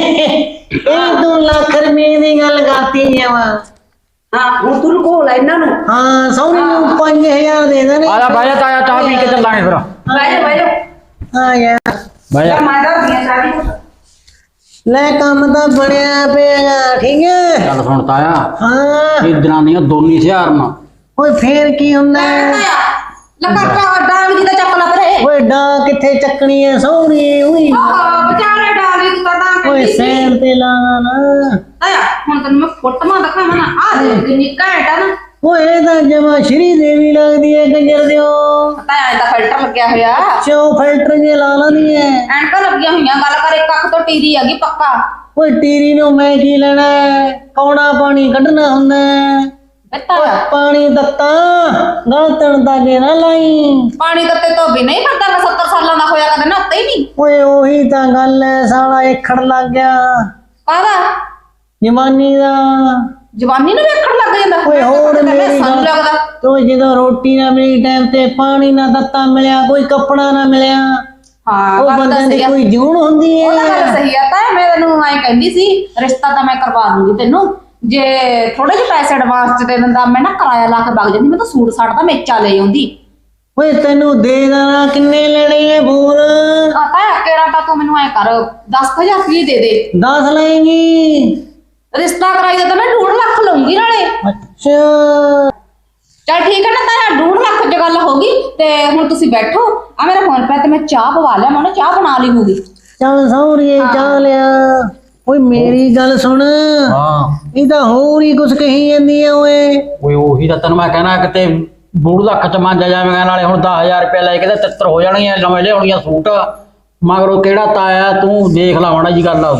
ਇਹ ਤੂੰ ਲੱਖ ਰੁਪਏ ਦੀ ਗੱਲ ਕਰਤੀ ਜਾਵਾ।
ਹਾਂ ਹੁਣ ਤੂੰ ਲੁਕੋ ਲੈ ਇਹਨਾਂ ਨੂੰ।
ਹਾਂ ਸੌਰੀ ਨੂੰ 5000 ਦੇ ਦੇਣੇ।
ਆ ਜਾ ਬਹਿ ਜਾ ਤਾਇਆ, ਚਾਹ ਪੀ ਕੇ ਚੱਲਾਂਗੇ ਫਿਰ।
ਬਹਿ ਜਾ ਬਹਿ ਜਾ,
ਹਾਂ ਯਾਰ
ਬਹਿ ਜਾ।
ਮੈਂ ਦੱਸਦੀ ਸਾਰੀ ਕੁਛ।
ਲੈ ਕੰਮ ਤਾਂ ਬਣਿਆ ਪਿਆ ਠੀਕ ਹੈ।
ਗੱਲ ਸੁਣ ਤਾਇਆ,
ਹਾਂ
ਇਹ ਦਿਨਾਂ ਦੀਆਂ ਦੋਨੀ ਹਜ਼ਾਰ ਨਾ
ਓਏ ਫੇਰ ਕੀ ਹੁੰਦਾ ਹੈ?
ਲੱਗਾ ਡਾਂਗ ਦੀ ਤਾਂ ਚੱਕ ਲਾ ਪਰੇ।
ਓਏ ਡਾਂ ਕਿੱਥੇ ਚੱਕਣੀ ਐ ਸੌਰੀ ਉਈ।
ਆਹ ਵਿਚਾਰੇ ਡਾਂਗ ਦੀ ਤਾਂ ਡਾਂਗ
ਓਏ
ਕੱਢੀ ਸੀ।
ਸੈਰ ਤੇ ਲਾਣਾ ਨਾ।
ਆਇਆ ਹੁਣ ਤੈਨੂੰ ਮੈਂ ਫੋਟੋਆਂ ਦਿਖਾਵਾਂ ਨਾ, ਆਹ ਦੇਖ ਕਿੰਨੀ ਘੈਂਟ ਆ ਨਾ।
ਓਏ ਇਹ ਤਾਂ ਜਮਾ ਸ਼੍ਰੀ ਦੇਵੀ ਲੱਗਦੀ ਐ ਕੰਜਰ ਦਿਓ।
ਪਤਾ ਐ ਤਾਂ ਫਿਲਟਰ ਲੱਗਿਆ ਹੋਇਆ,
ਚੋ ਫਿਲਟਰ ਜੇ ਲਾ ਲੈਂਦੀ ਐ।
ਐਨਕਾਂ ਲੱਗੀਆਂ ਹੋਈਆਂ, ਗੱਲ ਕਰ ਇੱਕ ਅੱਖ ਤੋਂ ਟੀਰੀ ਹੈਗੀ ਪੱਕਾ।
ਓਏ ਟੀਰੀ ਨੂੰ ਮੈਂ ਕੀ ਲੈਣਾ ਹੈ? ਕੌਣਾ ਪਾਣੀ ਕੱਢਣਾ ਹੁੰਦਾ ਹੈ।
ਬੱਤਾ
ਓਏ ਪਾਣੀ ਦਿੱਤਾ ਗਲਤਣ ਦਾ ਜੇ ਨਾ ਲਾਈ।
ਪਾਣੀ ਦਿੱਤੇ ਤੋਂ ਵੀ ਨਹੀਂ ਪਤਾ, ਮੈਂ 70 ਸਾਲਾਂ ਦਾ ਹੋਇਆ ਕਦੇ ਨਹਾਤਾ ਹੀ ਨਹੀਂ।
ਓਏ ਉਹੀ ਤਾਂ ਗੱਲ ਐ, ਸਾਲਾ ਏਖੜ ਲੱਗ ਗਿਆ
ਕਾਹਦਾ
ਜਵਾਨੀ ਦਾ।
ਜਵਾਨੀ ਨੂੰ ਵੇਖਣ ਲੱਗ ਜਾਂਦਾ।
ਓਏ ਹੋਰ ਮੇਰੀ
ਸਾਨੂੰ
ਗੱਲ,
ਲੱਗਦਾ
ਤੂੰ ਜਦੋਂ ਰੋਟੀ ਨਾ ਮਿਲੀ ਟਾਈਮ ਤੇ, ਪਾਣੀ ਨਾ ਦਿੱਤਾ ਮਿਲਿਆ, ਕੋਈ ਕੱਪੜਾ ਨਾ ਮਿਲਿਆ,
ਹਾਂ
ਉਹ
ਗੱਲ ਤਾਂ
ਬੰਦੇ ਦੀ
ਸਹੀ ਆ।
ਕੋਈ ਜੂਨ ਹੁੰਦੀ
ਉਹ ਤਾਂ ਗੱਲ
ਹੈ।
ਸਹੀ ਆ, ਤਾਂ ਮੈਂ ਤੈਨੂੰ ਐਂ ਕਹਿੰਦੀ ਸੀ ਰਿਸ਼ਤਾ ਤਾਂ ਮੈਂ ਕਰਵਾ ਦੂੰਗੀ ਤੈਨੂੰ, ਜੇ ਥੋੜੇ ਜਿਹੇ ਪੈਸੇ ਐਡਵਾਂਸ ਚ ਦੇ ਦਿੰਦਾ, ਮੈਂ ਨਾ ਕਿਰਾਇਆ ਲਾ ਕੇ ਵਗ ਜਾਂਦੀ, ਮੈਂ ਤਾਂ ਸੂਟ ਸਾਟ ਦਾ ਮੇਚਾ ਲੈ ਆਉਂਦੀ।
ਓਏ ਤੈਨੂੰ ਦੇ ਦੇਣਾ, ਕਿੰਨੇ ਲੈਣੇ ਐ ਬੋਲ।
ਤਾਂ ਕਿਹੜਾ ਤਾਂ ਤੂੰ ਮੈਨੂੰ ਐਂ ਕਰ 10,000 ਰੁਪਏ ਦੇ ਦੇ,
10 ਲਏਂਗੀ?
ਰਿਸ਼ਤਾ ਕਰਾਈ ਦਾ ਤਾਂ ਮੈਂ 2.5 ਲੱਖ ਲਊਂਗੀ ਨਾਲੇ।
ਅੱਛਾ
ਚੱਲ ਠੀਕ ਹੈ ਨਾ, ਤਾਂ 2.5 ਲੱਖ ਚ ਗੱਲ ਹੋ ਗਈ। ਤੇ ਹੁਣ ਤੁਸੀਂ ਬੈਠੋ, ਆ ਮੇਰਾ ਫੋਨ ਪੈ ਤੇ ਮੈਂ ਚਾਹ ਪਵਾ ਲਿਆ, ਮੈਂ ਉਹਨੇ ਚਾਹ ਬਣਾ ਲਈ ਹੋਊਗੀ।
ਚੱਲ ਸੌਰੀਏ ਚਾਹ ਲਿਆ। ਓਏ ਮੇਰੀ ਗੱਲ ਸੁਣ,
ਹਾਂ
ਇਹ ਤਾਂ ਹੋਰ ਹੀ ਕੁਛ ਕਹੀ ਜਾਂਦੀ ਆ ਓਏ।
ਓਏ ਉਹੀ ਤਾਂ ਤੈਨੂੰ ਮੈਂ ਕਹਿਣਾ, ਕਿਤੇ 2 ਲੱਖ ਚ ਮੰਨ ਜਾਵੇਂਗਾ, ਨਾਲੇ ਹੁਣ 10,000 ਰੁਪਏ ਲੈ ਕੇ ਤੇ ਤਿੱਤਰ ਹੋ ਜਾਣਗੀਆਂ, ਨਵੇਂ ਲਿਆਉਣੀਆਂ ਸੂਟ। ਮਗਰੋਂ ਕਿਹੜਾ ਤਾਇਆ, ਤੂੰ ਦੇਖ ਲਾ ਮਾੜਾ ਜੀ ਗੱਲ ਆ।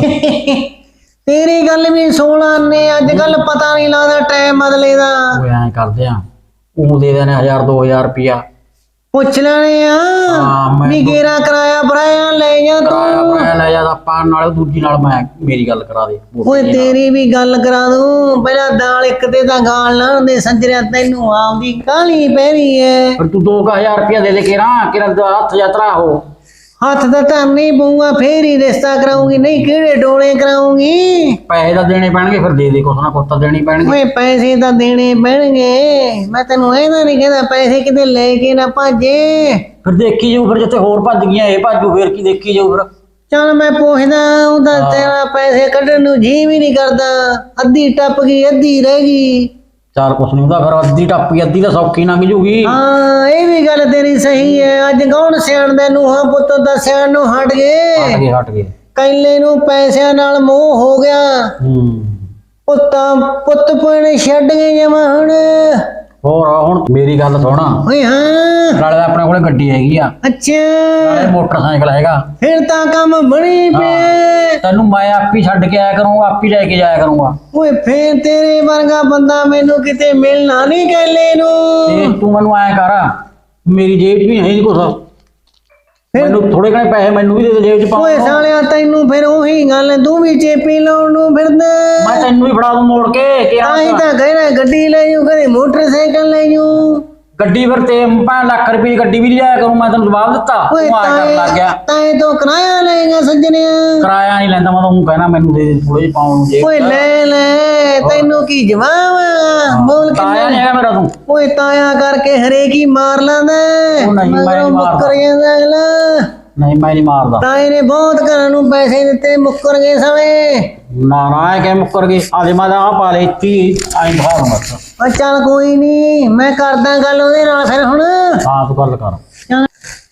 ਤੇਰੀ ਗੱਲ ਵੀ 16 ਨੇ, ਅੱਜ ਕੱਲ ਪਤਾ ਨਹੀਂ ਲੱਗਦਾ ਟਾਈਮ ਬਦਲੇ ਦਾ।
ਓਏ ਐਂ ਕਰਦੇ ਆ, ਉਹ ਦੇ ਦੇਣੇ 1,000-2,000 ਰੁਪਇਆ।
ਪੁੱਛ ਲੈਣੇ ਆ
ਮੈਂ
ਵੀ ਗੇਰਾ ਕਰਾਇਆ ਬਰਾਇਆ ਲੈ ਜਾ
ਕਿਰਾਇਆ
ਤੂੰ।
ਪੈ ਲੈ ਜਾ, ਆਪਾਂ ਨਾਲ ਦੂਜੀ ਨਾਲ ਮੈਂ ਮੇਰੀ ਗੱਲ ਕਰਾ ਦੇ।
ਓਏ ਤੇਰੀ ਵੀ ਗੱਲ ਕਰਾ ਦੂੰ, ਪਹਿਲਾਂ ਦਾਲ ਇੱਕ ਤੇ ਤਾਂ ਗਾਲ ਨਾ ਹੁੰਦੇ ਸੰਜਰਿਆ, ਤੈਨੂੰ ਆਉਂਦੀ ਕਾਲੀ ਪੈਰੀ ਐ।
ਪਰ ਤੂੰ 2,000 ਰੁਪਇਆ ਦੇ ਦੇ ਕਿਰਾ ਹੱਥ ਯਾਤਰਾ ਹੋ।
ਹੱਥ ਤਾਂ ਧਰਨੀ ਪਊਗਾ, ਫੇਰ ਹੀ ਰਿਸ਼ਤਾ ਕਰਾਉਂਗੀ, ਨਹੀਂ ਕਿਹੜੇ ਡੋਲੇ ਕਰਾਉਂਗੀ।
ਪੈਸੇ ਤਾਂ ਦੇਣੇ ਪੈਣਗੇ, ਫਿਰ ਦੇ ਦੇ ਕੁਛ ਨਾ ਕੁਛ ਤਾਂ ਦੇਣੀ ਪੈਣਗੇ।
ਓਏ ਪੈਸੇ ਤਾਂ ਦੇਣੇ ਪੈਣਗੇ, ਮੈਂ ਤੈਨੂੰ ਇਹਦਾ ਨਹੀਂ ਕਹਿੰਦਾ ਪੈਸੇ ਕਿਤੇ ਲੈ ਕੇ ਨਾ ਭਾਜੇ।
ਫਿਰ ਦੇਖੀ ਜਾਊ, ਫਿਰ ਜਿੱਥੇ ਹੋਰ ਭੱਜ ਗਈਆਂ ਇਹ ਭਾਜੂ, ਫਿਰ ਕੀ ਦੇਖੀ ਜਾਊ ਫਿਰ।
ਚੱਲ ਮੈਂ ਪੁੱਛਦਾ, ਉਹਦਾ ਤੇਰਾ ਪੈਸੇ ਕੱਢਣ ਨੂੰ ਜੀ ਵੀ ਨਹੀਂ ਕਰਦਾ, ਅੱਧੀ ਟੱਪ ਗਈ ਅੱਧੀ ਰਹਿ ਗਈ।
ਚੱਲ ਕੁਛ ਨਹੀਂ ਹੁੰਦਾ, ਫਿਰ ਅੱਧੀ ਟੱਪੀ ਅੱਧੀ ਤਾਂ ਸੌਖੀ ਲੰਘ ਜੂਗੀ।
ਹਾਂ ਇਹ ਵੀ ਗੱਲ ਤੇਰੀ ਸਹੀ ਹੈ। ਅੱਜ ਕੌਣ ਸਿਆਣਦਾ ਨੂੰਹਾਂ ਪੁੱਤ ਦਾ ਸਿਆਣ ਨੂੰ ਹਟ
ਹਟ
ਗਏ।
ਗਏ ਹਟ ਗਏ।
ਕੈਲੇ ਨੂੰ ਪੈਸਿਆਂ ਨਾਲ ਮੋਹ ਹੋ ਗਿਆ। ਪੁੱਤਾਂ ਪੁੱਤ ਪੁਣੇ ਛੱਡ ਗਏ ਜਮਾ ਹੁਣ।
ਹੋਰ ਹੁਣ ਮੇਰੀ ਗੱਲ ਸੁਣ,
ਓਏ ਹਾਂ
ਨਾਲੇ ਤਾਂ ਆਪਣੇ ਕੋਲੇ ਗੱਡੀ ਹੈਗੀ ਆ,
ਅੱਛਾ
ਨਾਲੇ ਮੋਟਰਸਾਈਕਲ ਹੈਗਾ।
ਫਿਰ ਤਾਂ ਕੰਮ ਬਣੀ ਪਿਆ।
ਤੈਨੂੰ ਮੈਂ ਆਪ ਹੀ ਛੱਡ ਕੇ ਆਇਆ ਕਰੂੰਗਾ, ਆਪ ਹੀ ਲੈ ਕੇ ਜਾਇਆ ਕਰੂੰਗਾ।
ਓਏ ਫੇਰ ਤੇਰੇ ਵਰਗਾ ਬੰਦਾ ਮੈਨੂੰ ਕਿਤੇ ਮਿਲਣਾ ਨਹੀਂ ਕੈਲੇ
ਤੇ
ਨੂੰ।
ਤੂੰ ਮੈਨੂੰ ਐਂ ਕਰ, ਮੇਰੀ ਜੇਬ 'ਚ ਵੀ ਹੈ ਨਹੀਂ ਕੁਛ, ਮੈਨੂੰ ਥੋੜੇ ਘਣੇ ਪੈਸੇ ਮੈਨੂੰ ਵੀ ਦੇ ਦੇ ਜੇਬ 'ਚ
ਓਏ
ਪਾਉਣ।
ਸਾਲਿਆ ਤੈਨੂੰ ਫਿਰ ਉਹੀ ਗੱਲ, ਤੂੰ ਵੀ ਚੇਪੀ ਲਾਉਣ ਨੂੰ ਫਿਰਦਾ।
ਮੈਂ ਤੈਨੂੰ ਵੀ ਫੜਾ ਦੂੰ ਮੋੜ ਕੇ ਕਿ
ਤਾਂ ਹੀ ਤਾਂ ਕਹਿਣਾ ਗੱਡੀ ਲੈ ਜੂ, ਕਦੇ ਮੋਟਰਸਾਈਕਲ ਲੈ ਜੂ।
ਗੱਡੀ ਫਿਰ ਤੇ 5 ਲੱਖ ਰੁਪਏ ਦੀ ਗੱਡੀ ਵੀ ਨਹੀਂ ਜਾਇਆ ਕਰੂੰ, ਮੈਂ ਤੈਨੂੰ ਜਵਾਬ ਦਿੱਤਾ।
ਓਏ
ਤੂੰ ਆਇਆ ਕਰਨ ਲੱਗ ਗਿਆ।
ਤਾਂ ਤੋਂ ਕਿਰਾਇਆ ਲਏਗਾ ਸੱਜਣਿਆ।
ਕਿਰਾਇਆ ਨਹੀਂ ਲੈਂਦਾ, ਮੈਂ ਤੂੰ ਕਹਿਣਾ ਮੈਨੂੰ ਦੇ ਦੇ ਥੋੜੇ ਜਿਹੇ ਪਾਉਣ ਨੂੰ ਜੇਬ
ਓਏ
'ਚ।
ਲੈ ਤੈਨੂੰ ਕੀ ਜਵਾਬ ਆ? ਬੋਲ
ਤਾਇਆ ਨਹੀਂ
ਕਿੰਨਾ?
ਹੈਗਾ ਮੇਰਾ ਤੂੰ।
ਓਏ ਤਾਇਆ ਕਰਕੇ ਹਰੇਕ ਹੀ ਮਾਰ ਲੈਂਦਾ।
ਉਹ ਨਹੀਂ, ਮੈਂ
ਮਗਰੋਂ
ਨਹੀਂ ਮਾਰਦਾ।
ਮੁੱਕਰ ਜਾਂਦਾ ਅਗਲਾ।
ਨਹੀਂ ਮੈਂ ਨਹੀਂ ਮਾਰਦਾ।
ਤਾਏ ਨੇ ਬਹੁਤ ਘਰਾਂ ਨੂੰ ਪੈਸੇ ਦਿੱਤੇ, ਮੁੱਕਰ ਗਏ ਸਵੇ।
ਨਾ ਨਾ ਇਹ ਕਿ ਮੁੱਕਰ ਗਈ, ਆਦੇ ਮੈਂ ਤਾਂ ਆਹ ਪਾ ਲਈ 30 ਐਂ ਦਿਖਾ ਦੂੰ ਬਸ।
ਓ ਚੱਲ ਕੋਈ ਨਹੀਂ, ਮੈਂ ਕਰਦਾ ਗੱਲ ਉਹਦੇ ਨਾਲ ਫਿਰ ਹੁਣ।
ਹਾਂ ਤੂੰ ਗੱਲ ਕਰ।
ਚੱਲ।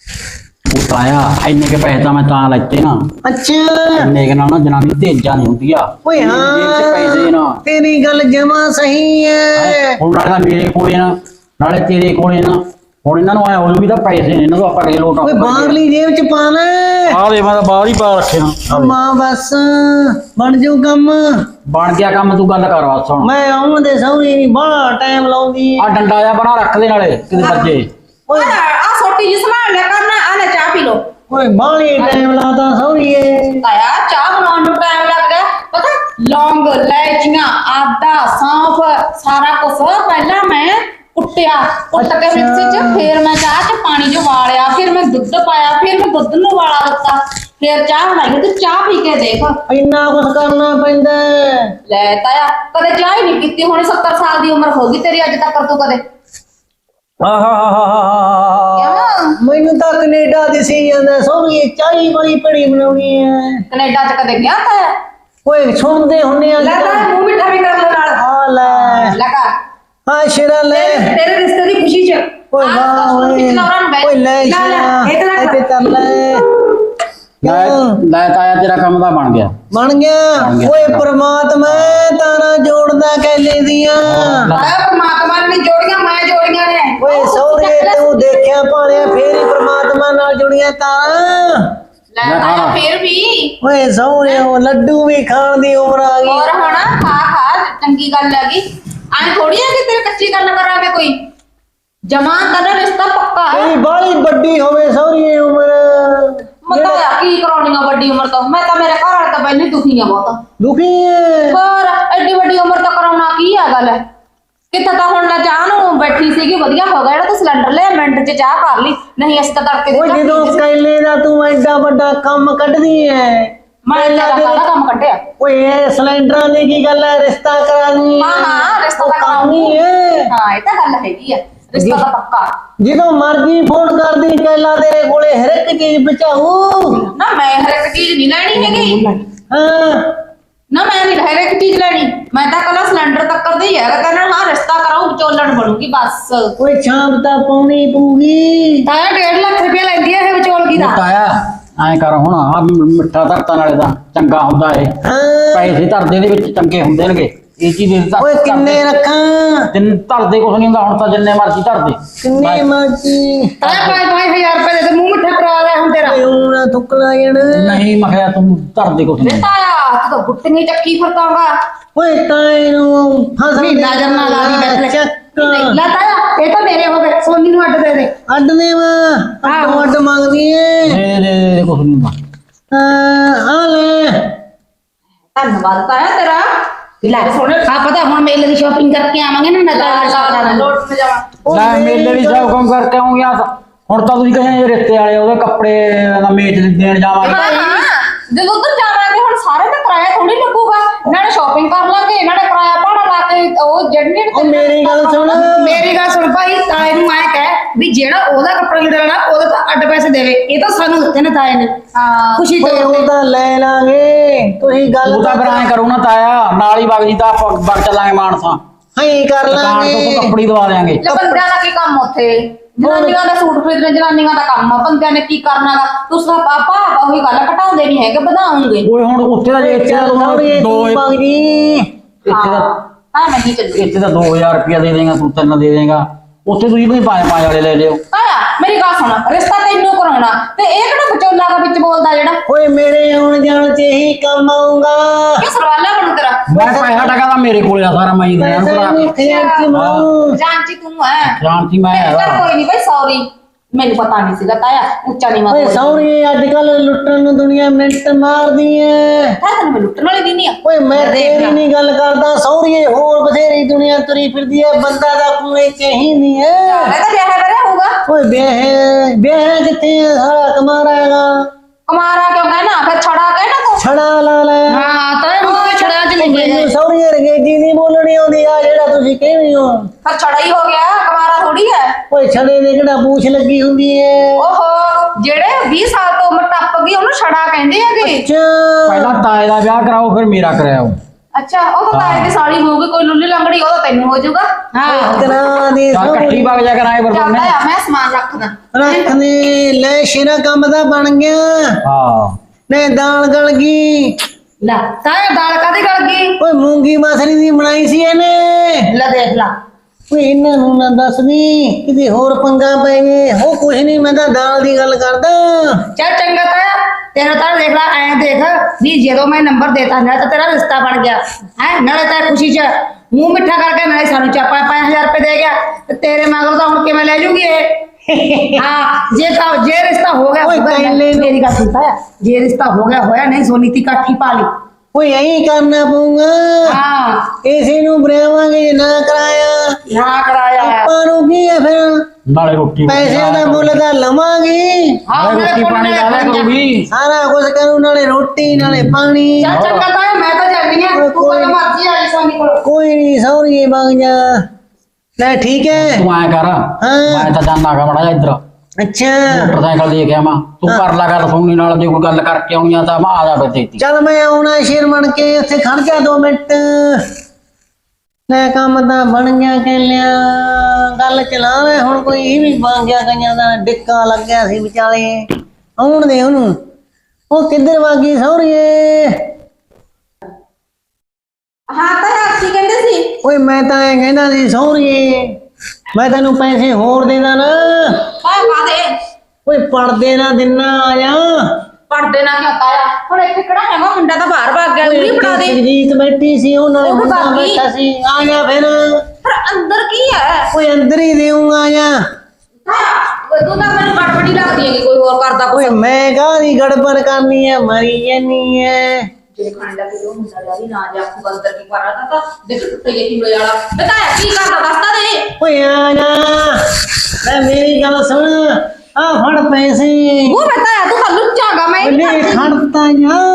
ਉਹ ਤਾਇਆ ਇੰਨੇ ਕੇ ਪੈਸੇ ਤਾਂ ਮੈਂ ਤਾਂ ਲੈਤੇ ਨਾ,
ਅੱਛਾ
ਇੰਨੇ ਕੇ ਨਾਲ ਨਾ ਜਨਾਨੀ ਤੇਜ਼ਾਂ ਨਹੀਂ ਹੁੰਦੀ ਆ।
ਓਏ
ਜੇਬ 'ਚ ਪੈਸੇ ਨਾ
ਹਾਂ ਤੇਰੀ ਗੱਲ ਜਮਾ ਸਹੀ ਹੈ।
ਹੁਣ ਨਾਲੇ ਤਾਂ ਮੇਰੇ ਕੋਲੇ ਨਾ, ਨਾਲੇ ਤੇਰੇ ਕੋਲੇ ਨਾ, ਹੁਣ ਇਹਨਾਂ ਨੂੰ ਆਇਆ ਹੋ ਵੀ ਤਾਂ ਪੈਸੇ ਨੇ, ਇਹਨਾਂ ਤੋਂ ਆਪਾਂ ਕਿਹ ਲੋਟ
ਓਏ ਬਾਹਰਲੀ ਜੇਬ ਚ ਪਾ ਲੈ।
ਆ ਦੇ ਮੈਂ ਤਾਂ ਬਾਹਰ ਹੀ ਪਾ ਰੱਖੇ ਨਾ।
ਮਾਂ ਬਸ ਬਣ ਜਾਊ ਕੰਮ।
ਬਣ ਗਿਆ ਕੰਮ, ਤੂੰ ਗੱਲ ਕਰ ਬਸ ਹੁਣ।
ਮੈਂ ਆਉਣ ਦੇ ਸਹੁਰੀ ਨਹੀਂ ਬੜਾ ਟਾਈਮ ਲਾਉਂਦੀ।
ਆ ਡੰਡਾ ਜਿਹਾ ਬਣਾ ਰੱਖ ਦੇ ਨਾਲੇ ਕਿਤੇ ਵੱਜੇ।
ਓਏ
ਆ ਛੋਟੀ ਜੀ ਸੰਭਾਲ ਲਿਆ ਕਰਨਾ, ਆ ਲੈ ਚਾਹ ਪੀ ਲੋ।
ਓਏ ਬਾਹਲੀ ਟਾਈਮ ਲਾਤਾ ਸਹੁਰੀਏ।
ਆਇਆ ਚਾਹ ਬਣਾਉਣ ਨੂੰ ਟਾਈਮ ਲੱਗ ਗਿਆ, ਪਤਾ ਲੌਂਗ, ਇਲਾਇਚੀਆਂ, ਆਦਾ, ਸੌਂਫ, ਸਾਰਾ ਕੁਝ ਪਹਿਲਾਂ ਮੈਂ ਕੁੱਟਿਆ, ਕੁੱਟ ਕੇ ਮਿਕਸੀ 'ਚ, ਫਿਰ ਮੈਂ ਚਾਹ 'ਚ ਪਾਣੀ 'ਚ ਉਬਾਲਿਆ, ਫਿਰ ਮੈਂ ਦੁੱਧ ਪਾਇਆ, ਫਿਰ ਮੈਂ ਦੁੱਧ ਨੂੰ ਉਬਾਲਾ ਦਿੱਤਾ, ਫਿਰ ਚਾਹ ਬਣਾਈ। ਤੂੰ ਚਾਹ ਪੀ ਕੇ ਦੇਖ।
ਇੰਨਾ ਕੁਝ ਕਰਨਾ ਪੈਂਦਾ।
ਲੈ ਤਾਇਆ ਕਦੇ ਚਾਹ ਹੀ ਨਹੀਂ ਪੀਤੀ, ਹੁਣ 70 ਸਾਲ ਦੀ ਉਮਰ ਹੋ ਗਈ ਤੇਰੀ, ਅੱਜ ਤੱਕ ਤੂੰ ਕਦੇ ਕਿਉਂ?
ਮੈਨੂੰ ਤਾਂ ਕੈਨੇਡਾ ਦਿਸੀ ਜਾਂਦਾ ਸਹੁਰੀਏ, ਚਾਹੀ ਬੜੀ ਪੜੀ ਬਣਾਉਣੀ ਹੈ।
ਕੈਨੇਡਾ 'ਚ ਕਦੇ ਗਿਆ ਤਾਇਆ?
ਓਏ ਸੁਣਦੇ ਹੁੰਨੇ ਆ।
ਲੈ ਤਾਇਆ ਮੂੰਹ ਮਿੱਠਾ ਵੀ ਕਰ ਲੈ ਨਾਲ।
ਆ ਲੈ
ਲੈ ਕਰ
ਆ ਸ਼ੇਰਾ ਲੈ।
ਤੇਰੇ ਰਿਸ਼ਤੇ ਦੀ ਖੁਸ਼ੀ 'ਚ
ਓਏ ਵਾਹ ਓਏ ਓਏ ਲੈ ਸ਼ੇਰਾ ਇੱਥੇ ਚੱਲ ਲੈ।
ਲੈ ਤਾਇਆ ਤੇਰਾ ਕੰਮ ਤਾਂ ਬਣ ਗਿਆ।
ਬਣ ਗਿਆ। ਓਏ ਪ੍ਰਮਾਤਮਾ ਤਾਰਾ ਜੋੜਦਾ ਕੈਲੇ ਦੀਆਂ।
ਆਇਆ ਪਰਮਾਤਮਾ ਨੇ ਜੋੜੀਆਂ, ਮੈਂ ਜੋੜੀਆਂ ਨੇ।
ਓਏ ਸਹੁਰੇ ਤੂੰ ਦੇਖਿਆ ਭਾਲਿਆ, ਫੇਰ ਹੀ ਪ੍ਰਮਾਤਮਾ ਨਾਲ ਜੁੜੀਆਂ ਤਾਰਾਂ।
ਲੈ ਤਾਇਆ ਫੇਰ ਵੀ
ਓਏ ਸਹੁਰੇ ਉਹ ਲੱਡੂ ਵੀ ਖਾਣ ਦੀ ਉਮਰ ਆ ਗਈ।
ਹੋਰ ਹੁਣ ਖਾ ਚੰਗੀ ਗੱਲ ਹੈਗੀ, ਐਂ ਥੋੜੀ ਹੈ ਕਿ ਤੇਰੇ ਕੱਚੀ ਗੱਲ ਕਰਾਂਗੇ ਕੋਈ। ਜਮਾਂ ਤੇਰਾ ਰਿਸ਼ਤਾ ਪੱਕਾ ਹੈ।
ਤੇਰੀ ਬਾਹਲੀ ਵੱਡੀ ਹੋਵੇ ਸਹੁਰੀਏ ਉਮਰ।
ਮਤਾਇਆ ਕੀ ਕਰਾਉਣੀ ਆ ਵੱਡੀ ਉਮਰ ਤੋਂ, ਮੈਂ ਤਾਂ ਮੇਰੇ ਘਰ ਵਾਲੇ ਤਾਂ ਪਹਿਲਾਂ ਹੀ ਦੁਖੀ ਆ ਬਹੁਤ।
ਦੁਖੀ ਹੈ।
ਹੋਰ ਐਡੀ ਵੱਡੀ ਉਮਰ ਤੋਂ ਕਰਾਉਣਾ ਕੀ ਆ ਗੱਲ। ਕਿੱਥੇ ਤਾਂ ਹੁਣ ਨਾ ਚਾਹ ਨੂੰ ਬੈਠੀ ਸੀਗੀ, ਵਧੀਆ ਹੋ ਗਿਆ ਜਿਹੜਾ ਤੂੰ ਸਿਲੰਡਰ ਲਿਆ, ਮਿੰਟ 'ਚ ਚਾਹ ਕਰ ਲਈ, ਨਹੀਂ ਅਸੀਂ ਤਾਂ ਤੜਕੇ
ਓਏ ਜਦੋਂ ਕੈਲੇ ਦਾ ਤੂੰ ਐਡਾ ਵੱਡਾ ਕੰਮ ਕੱਢਦੀ ਐ।
ਮੈਂ ਕਾਹਦਾ ਕੰਮ ਕੱਢਿਆ।
ਓਏ ਇਹ ਸਿਲੰਡਰਾਂ ਦੀ ਕੀ ਗੱਲ ਐ, ਰਿਸ਼ਤਾ ਕਰਾਣੀ ਐ।
ਹਾਂ ਰਿਸ਼ਤਾ ਤਾਂ
ਕਰਾਉਣੀ ਐ।
ਹਾਂ ਇਹ ਤਾਂ ਗੱਲ ਹੈਗੀ ਆ, ਰਿਸ਼ਤਾ ਤਾਂ ਪੱਕਾ।
ਜਦੋਂ ਮਰਜ਼ੀ ਫੋਨ ਕਰਦੀ ਕੈਲਾ ਤੇਰੇ ਕੋਲੇ ਹਰ ਇੱਕ ਚੀਜ਼ ਬਚਾਊ।
ਨਾ ਮੈਂ ਹਰ ਇੱਕ ਚੀਜ਼ ਨਹੀਂ ਲੈਣੀ ਹੈਗੀ,
ਹਾਂ
ਨਾ ਮੈਂ ਨਹੀਂ ਹਰ ਇੱਕ ਚੀਜ਼ ਲੈਣੀ, ਮੈਂ ਤਾਂ ਕੱਲਾ ਸਿਲੰਡਰ ਤੱਕ ਦਾ ਹੀ ਹੈਗਾ। ਕਹਿੰਦਾ ਹਾਂ ਰਿਸ਼ਤਾ ਕਰਾਉ, ਵਿਚੋਲਣ ਬਣੂਗੀ ਬਸ।
ਓਏ ਸ਼ਾਮ ਤਾਂ ਪਾਉਣੀ ਪਊਗੀ।
ਤਾਇਆ 1.5 ਲੱਖ ਰੁਪਇਆ ਲੈਂਦੀ ਹੈ ਇਹ ਵਿਚੋਲਗੀ ਦਾ।
ਤਾਇਆ ਐਂ ਕਰ ਹੁਣ, ਆ ਮਿੱਠਾ ਧਰਤਾ ਨਾਲੇ ਤਾਂ ਚੰਗਾ ਹੁੰਦਾ ਏ,
ਹਾਂ
ਪੈਸੇ ਧਰਦੇ ਦੇ ਵਿੱਚ ਚੰਗੇ ਹੁੰਦੇ ਨੇਗੇ। ਇਹ ਚੀਜ਼ ਦੇ
ਓਏ ਕਿੰਨੇ ਰੱਖਾਂ?
ਜਿੰਨ ਧਰਦੇ ਕੁਛ ਨਹੀਂ ਹੁੰਦਾ, ਹੁਣ ਤਾਂ ਜਿੰਨੇ ਮਰਜ਼ੀ ਧਰਦੇ।
ਕਿੰਨੇ ਮਰਜ਼ੀ?
ਤਾਇਆ 5-5000 ਰੁਪਏ ਦੇ ਤੇ ਮੂੰਹ ਮਿੱਠਾ ਕਰਾ ਲਿਆ ਹੁਣ ਤੇਰਾ।
ਓਏ ਹੁਣ ਨਾ ਥੁੱਕ ਲਾ ਜਾਣਾ।
ਨਹੀਂ ਮੈਂ ਕਿਹਾ ਤੂੰ ਧਰਦੇ ਕੁਛ ਨਹੀਂ।
ਤਾਇਆ ਤੂੰ ਤਾਂ ਗੁੱਟੀਆਂ ਚੱਕੀ ਫਿਰਦਾਗਾ।
ਓਏ ਤਾਂ ਇਹਨੂੰ ਫਸ
ਮਹੀਨਾ ਜਰਨਾ ਲਾ ਦੀ ਬੈਠ ਲੈ।
ਚੱਕ
ਲੈ ਤਾਇਆ ਇਹ ਤਾਂ ਮੇਰੇ ਹੋ ਗਏ, ਸੋਨੀ ਨੂੰ ਅੱਡ ਦੇ ਦੇ।
ਅੱਡ ਦੇ ਵਾ ਅੱਡ ਮੰਗਦੀ ਏ।
ਦੇ ਕੁਛ ਨਹੀਂ ਹੁੰਦਾ।
ਆ ਲੈ
ਧੰਨਵਾਦ ਤਾਇਆ ਤੇਰਾ। ਲੈ ਸੋਨੇ ਆ ਪਤਾ ਹੁਣ ਮੇਲੇ ਦੀ ਸ਼ਾਪਿੰਗ ਕਰਕੇ ਆਵਾਂਗੇ ਨਾ, ਨਜ਼ਾਰਾ ਲੋਟ ਤੇ ਜਾਵਾਂ।
ਲੈ ਮੇਲੇ ਵੀ ਸਭ ਕੰਮ ਕਰਕੇ ਆਉਂਗੇ। ਹੁਣ ਤਾਂ ਤੁਸੀਂ ਕਹਿੰਦੇ ਰਿਸ਼ਤੇ ਵਾਲੇ ਉਹਦੇ ਕੱਪੜੇ ਦਾ ਮੇਚ ਦੇਣ ਜਾਵਾਂਗੇ।
ਹਾਂ ਜਦੋਂ ਉੱਧਰ ਜਾਵਾਂਗੇ ਹੁਣ ਸਾਰੇ ਦਾ ਕਿਰਾਇਆ ਥੋੜੀ ਲੱਗੂਗਾ, ਨਾਲੇ ਸ਼ਾਪਿੰਗ ਕਰ ਲਾਂਗੇ, ਨਾਲੇ ਕਿਰਾਇਆ ਭਾੜਾ ਲਾ ਕੇ ਉਹ ਜਿਹੜੀ
ਉਹ ਮੇਰੀ ਗੱਲ ਸੁਣ।
ਮੇਰੀ ਗੱਲ ਸੁਣ ਭਾਈ, ਤਾਏ ਨੂੰ ਆਏ ਕਹਿ ਵੀ ਜਿਹੜਾ ਉਹਦਾ ਕੱਪੜਾ ਲੀੜਾ ਲੈਣਾ ਉਹਦੇ ਤਾਂ ਅੱਡ ਪੈਸੇ ਦੇਵੇ। ਇਹ ਤਾਂ ਸਾਨੂੰ ਦਿੱਤੇ ਨੇ ਤਾਏ ਨੇ ਖੁਸ਼ੀ ਤੋਂ।
ਉਹ ਤਾਂ ਲੈ ਲਾਂਗੇ, ਤੁਸੀਂ ਗੱਲ
ਤੂੰ ਤਾਂ ਫਿਰ ਐਂ ਕਰੂ ਨਾ ਤਾਇਆ, ਨਾਲ ਹੀ ਵਗ ਜੀ ਤਾਂ ਵਗ ਚੱਲਾਂਗੇ ਮਾਨਸਾ।
ਹਾਂ ਕਰ
ਦੁਕਾਨ ਤੋਂ
ਲਾਂਗੇ
ਕੱਪੜੀ ਦਵਾ ਦੇਾਂਗੇ
ਲੈ ਬੰਦਿਆਂ ਦਾ ਕੀ ਕੰਮ ਉੱਥੇ ਜਨਾਨੀਆਂ ਦਾ ਸੂਟ ਖਰੀਦਣਾ ਜਨਾਨੀਆਂ ਦਾ ਕੰਮ ਆ ਬੰਦਿਆਂ ਨੇ ਕੀ ਕਰਨਾਗਾ ਤੁਸੀਂ ਪਾਪਾ ਉਹੀ ਗੱਲ ਘਟਾਉਂਦੇ ਨਹੀਂ ਹੈਗੇ ਵਧਾਉਂਗੇ
ਓਏ ਹੁਣ ਉੱਥੇ ਦਾ ਇੱਥੇ ਦਾ
ਸੌਰੀਏ
ਦੋ
ਤੂੰ ਭਗ ਜੀ
ਇੱਥੇ ਦਾ
ਹਾਂ ਮੈਂ ਨਹੀਂ ਚੱਲੀ
ਇੱਥੇ ਦਾ 2000 ਰੁਪਇਆ ਦੇ ਦੇਗਾ ਤੂੰ 3 ਦੇ ਦੇਗਾ ਉੱਥੇ ਤੁਸੀਂ ਵੀ 5 ਵਾਲੇ ਲੈ ਲਿਓ
ਆਇਆ ਮੇਰੀ ਗੱਲ ਸੁਣ ਰਿਸ਼ਤਾ ਤੈਨੂੰ ਕਰਾਉਣਾ ਤੇ ਇਹ ਕਿਹੜਾ ਵਿਚੋਲਾ ਦਾ ਵਿੱਚ ਬੋਲਦਾ ਜਿਹੜਾ
ਓਏ ਮੇਰੇ ਆਉਣ ਜਾਣ ਚ ਇਹੀ ਕੰਮ ਆਊਗਾ
ਕਿ ਸਰਵਾਲਾ ਬਣੂ ਤੇਰਾ
ਮੈਂ ਪੈਸਾ ਟਕਾ ਤਾਂ ਮੇਰੇ ਕੋਲ ਆ ਸਾਰਾ ਮੈਂ ਹੀ ਦੇਣਾ
ਪੈਸਾ
ਭਰਾ
ਨਹੀਂ ਖਿਆਲ ਚ ਮਾਊ
ਜਾਂਚੀ ਤੂੰ ਹੈ
ਸ਼ਾਂਤੀ ਮੈਂ
ਚੱਲ
ਹੈਗਾ
ਕੋਈ ਨਹੀਂ ਬਈ ਸੌਰੀ ਮੈਨੂੰ ਪਤਾ ਨਹੀਂ ਸੀਗਾ ਤਾਇਆ ਉੱਚਾ ਨਹੀਂ
ਓਏ
ਮੈਂ
ਸੌਰੀ ਅੱਜ ਕੱਲ ਲੁੱਟਣ ਨੂੰ ਦੁਨੀਆ ਮਿੰਟ ਮਾਰਦੀ ਐ
ਤੈਨੂੰ ਮੈਂ ਲੁੱਟਣ ਵਾਲੀ ਦੀ ਨਹੀਂ ਆ
ਓਏ ਮੈਂ ਤੇਰੀ ਨਹੀਂ ਗੱਲ ਕਰਦਾ ਸੌਰੀਏ ਹੋਰ ਬਥੇਰੀ ਦੁਨੀਆ ਤੁਰੀ ਫਿਰਦੀ ਐ ਬੰਦਾ ਦਾ ਕੋਈ ਚਾਹੀਦੀ ਐ
ਮੈਂ ਤਾਂ ਵਿਆਹ ਕਰਿਆ ਹੋਊਗਾ
ਓਏ ਵਿਆਹ ਕਿੱਥੇ ਐ ਸਾਰਾ ਕਮਾਰਾ ਹੈਗਾ
ਕੁਮਾਰਾ ਕਿਉਂ ਕਹਿਣਾ ਫਿਰ ਛੜਾ ਕਹਿਣਾ ਤੂੰ
ਛੜਾ ਲਾ ਲੈ
ਹਾਂ ਤਾਂ ਮੁੱਕੇ ਛੜਾ ਚ ਲਿਖੇ
ਮੈਨੂੰ ਸੌਰੀਏ ਰੰਗੇਜੀ ਨਹੀਂ ਬੋਲਣੀ ਆਉਂਦੀ ਆ ਜਿਹੜਾ ਤੁਸੀਂ ਕਹਿੰਦੇ ਹੋ
ਫਿਰ ਛੜਾ ਹੀ ਹੋ ਗਿਆ ਕੁਮਾਰਾ ਥੋੜੀ ਹੈ
ਓਏ ਛੜੇ ਦੇ ਕਿਹੜਾ ਪੂਛ ਲੱਗੀ ਹੁੰਦੀ ਐ
ਓਹੋ ਜਿਹੜੇ 20 ਸਾਲ ਤੋਂ ਉਮਰ ਟੱਪ ਗਈ ਉਹਨੂੰ ਛੜਾ ਕਹਿੰਦੇ ਹੈਗੇ
ਅੱਛਾ
ਪਹਿਲਾਂ ਤਾਏ ਦਾ ਵਿਆਹ ਕਰਾਓ ਫਿਰ ਮੇਰਾ ਕਰਾਓ
ਅੱਛਾ ਉਹ ਤਾਂ ਤਾਏ ਦੀ ਸਾਲੀ ਹੋਊਗੀ ਕੋਈ ਲੁੱਲੀ ਲੰਗੜੀ ਉਹ ਤਾਂ ਤੈਨੂੰ ਹੋ ਜਾਊਗਾ ਹਾਂ
ਕਰਾ ਦੇ
ਚੱਲ ਇਕੱਠੀ ਵਗ ਜਾ ਕਰਾਂਗੇ ਫਿਰ
ਚੱਲਦਾ
ਦੋਨੇ
ਆ ਮੈਂ ਸਮਾਨ ਰੱਖਦਾ
ਰੱਖਨੇ ਲੈ ਸ਼ੇਰਾ ਕੰਮ ਦਾ ਬਣ ਗਿਆ
ਹਾਂ
ਨੇ ਦਾਲ ਗਲ ਗਈ
ਲੈ ਤਾਇਆ ਦਾਲ ਕਾਦੀ ਗਲ ਗਈ
ਓਏ ਮੂੰਗੀ ਮਸਰੀ ਦੀ ਬਣਾਈ ਸੀ ਇਹਨੇ
ਲੈ ਦੇਖ ਲਾ
ਓਏ ਇਹਨਾਂ ਨੂੰ ਨਾ ਦੱਸਦੀ ਕਿਤੇ ਹੋਰ ਪੰਗਾ ਪੈ ਗਏ ਹੋ ਕੁਛ ਨਹੀਂ ਮੈਂ ਤਾਂ ਦਾਲ ਦੀ ਗੱਲ ਕਰਦਾ
ਚੱਲ ਚੰਗਾ ਤਾਇਆ ਤੇਰਾ ਤਾਂ ਦੇਖ ਲਾ ਐ ਦੇਖ ਵੀ ਜਦੋਂ ਮੈਂ ਨੰਬਰ ਦੇਤਾ ਨਾ ਤਾਂ ਤੇਰਾ ਰਿਸ਼ਤਾ ਬਣ ਗਿਆ ਹੈ ਨਾਲੇ ਤਾਂ ਖੁਸ਼ੀ ਚ ਮੂੰਹ ਮਿੱਠਾ ਕਰਕੇ ਨਾਲੇ ਸਾਨੂੰ ਚਾਪਾ 5000 ਰੁਪਏ ਦੇ ਗਿਆ ਤੇ ਤੇਰੇ ਮਗਰ ਤਾਂ ਹੁਣ ਕਿਵੇਂ ਲੈ ਜੂਗੀ ਇਹ ਹਾਂ ਜੇ ਰਿਸ਼ਤਾ ਹੋ ਗਿਆ
ਓਏ
ਹੋਊਗਾ,
ਪਹਿਲੇ ਨੂੰ-
ਮੇਰੀ ਗੱਲ ਸੁਣਤਾ ਹੈ ਜੇ ਰਿਸ਼ਤਾ ਹੋ ਗਿਆ ਹੋਇਆ ਨਹੀਂ ਸੋਨੀ ਦੀ ਕਾਠੀ ਪਾ ਲਈ
ਓਏ ਐਂ ਕਰਨਾ ਪਊਗਾ
ਹਾਂ
ਇਸੇ ਨੂੰ ਬਰਾਵਾਂਗੇ ਜੇ ਨਾ ਕਰਾਇਆ
ਨਾ ਕਰਾਇਆ
ਆਪਾਂ ਨੂੰ ਕੀ ਹੈ ਫਿਰ
ਨਾਲੇ ਰੋਟੀ
ਪੈਸਿਆਂ ਦਾ ਮੁੱਲ ਤਾਂ ਲਵਾਂਗੇ
ਹਾਂ
ਨਾਲੇ ਰੋਟੀ ਪਾਣੀ ਲਾ ਲਿਆ ਕਰੂਗੀ
ਸਾਰਾ ਕੁਝ ਕਰੂ ਨਾਲੇ ਰੋਟੀ ਨਾਲੇ ਪਾਣੀ
ਚੱਲ ਚੰਗਾ ਤਾਇਆ ਮੈਂ ਤਾਂ ਜਾਂਦੀ ਆ ਤੂੰ ਕੋਈ ਮਰਜ਼ੀ ਆਈ ਸੋਨੀ ਕੋਲ
ਕੋਈ ਨਹੀਂ ਸੌਰੀਏ ਬਗ ਜਾ ਲੈ ਠੀਕ ਹੈ
ਤੂੰ ਐ ਕਰ ਮੈਂ ਤਾਂ ਜਾਣਾ ਗਾ ਮੜਾ ਇੱਧਰ
ਅੱਛਾ
ਮੋਟਰਸਾਈਕਲ ਦੇ ਕੇ ਆਵਾਂ ਤੂੰ ਕਰ ਲਾ ਗੱਲ ਸੋਨੀ ਨਾਲ ਜੇ ਕੋਈ ਗੱਲ ਕਰਕੇ ਆਉਣੀ ਆ ਤਾਂ ਮੈਂ ਆ ਜਾ ਬੇਤੀ
ਚੱਲ ਮੈਂ ਆਉਣਾ ਸ਼ੇਰ ਬਣ ਕੇ ਉੱਥੇ ਖੜ ਜਾ 2 ਮਿੰਟ ਲੈ ਕੰਮ ਤਾਂ ਬਣ ਗਿਆ ਕਹਿਲਿਆ ਗੱਲ ਚਲਾ ਲੈ ਹੁਣ ਕੋਈ ਇਹ ਵੀ ਬਣ ਗਿਆ ਕਈਆਂ ਦਾ ਡਿੱਕਾ ਲੱਗਿਆ ਸੀ ਵਿਚਾਲੇ ਆਉਣ ਦੇ ਉਹਨੂੰ ਉਹ ਕਿੱਧਰ ਵਾਗੀ ਸੌਰੀਏ
ਹਾਂ ਤਾਇਆ ਕੀ ਕਹਿੰਦੇ ਸੀ
ਓਏ ਮੈਂ ਤਾਂ ਐ ਕਹਿੰਦਾ ਸੀ ਸੌਰੀਏ ਮੈਂ ਤੈਨੂੰ ਪੈਸੇ ਹੋਰ ਦੇਦਾ ਨਾ
ਹਾਂ ਕਾਦੇ
ਓਏ ਪੜਦੇ ਨਾ ਦਿਨਾ ਆ ਜਾ
ਪੜਦੇ ਨਾ ਕਿਉਂ ਤਾਇਆ ਹੁਣ ਇੱਥੇ ਕਿਹੜਾ ਹੈਗਾ ਮੁੰਡਾ ਤਾਂ ਬਾਹਰ ਭਾਗ ਗਿਆ ਉਰੀ ਫੜਾ ਦੇ
ਜੀਤ ਬੈਠੀ ਸੀ ਉਹ ਨਾਲ
ਉਹ ਵੀ
ਮੁੰਡਾ
ਬਾਗੀ।
ਬੈਠਾ ਸੀ ਆ ਜਾ ਫਿਰ
ਪਰ ਅੰਦਰ ਕੀ ਹੈ
ਓਏ ਅੰਦਰ ਹੀ ਦੇਊਂਗਾ ਆ ਜਾ
ਤਾਇਆ ਤੂੰ ਤਾਂ ਮੈਨੂੰ ਗੜਬੜੀ ਲੱਗਦੀ ਹੈ ਕਿ ਕੋਈ ਹੋਰ ਕਰਦਾ
ਓਏ
ਕੁਛ
ਮੈਂ ਕਾਹਦੀ ਗੜਬੜ ਕਰਨੀ ਐ ਮਰੀ ਜਾਨੀ ਐ
ਜੇ ਖਾਣ ਲੱਗੇ ਉਹ ਮੁੰਡਾ ਜਾ ਵੀ ਨਾ ਜਾ ਆਖੂ ਅੰਦਰ ਕੀ ਕਰਾ ਤਾਂ ਦੇਖ ਟੁੱਟੇ ਜੇ ਕਿਵੇਂ ਵਾਲਾ ਤਾਇਆ ਕੀ ਕਰਦਾ ਦੱਸਦਾ ਦੇ
ਓਏ ਆ ਜਾ ਲੈ ਮੇਰੀ ਗੱਲ ਸੁਣ ਆ ਫੜ ਪੈਸੇ
ਉਹ ਬਤਾਇਆ ਤੂੰ ਹੱਲੂ ਚਾਗਾ ਮੈਂ
ਉਹਨੇ ਖੜਤਾ ਜਾ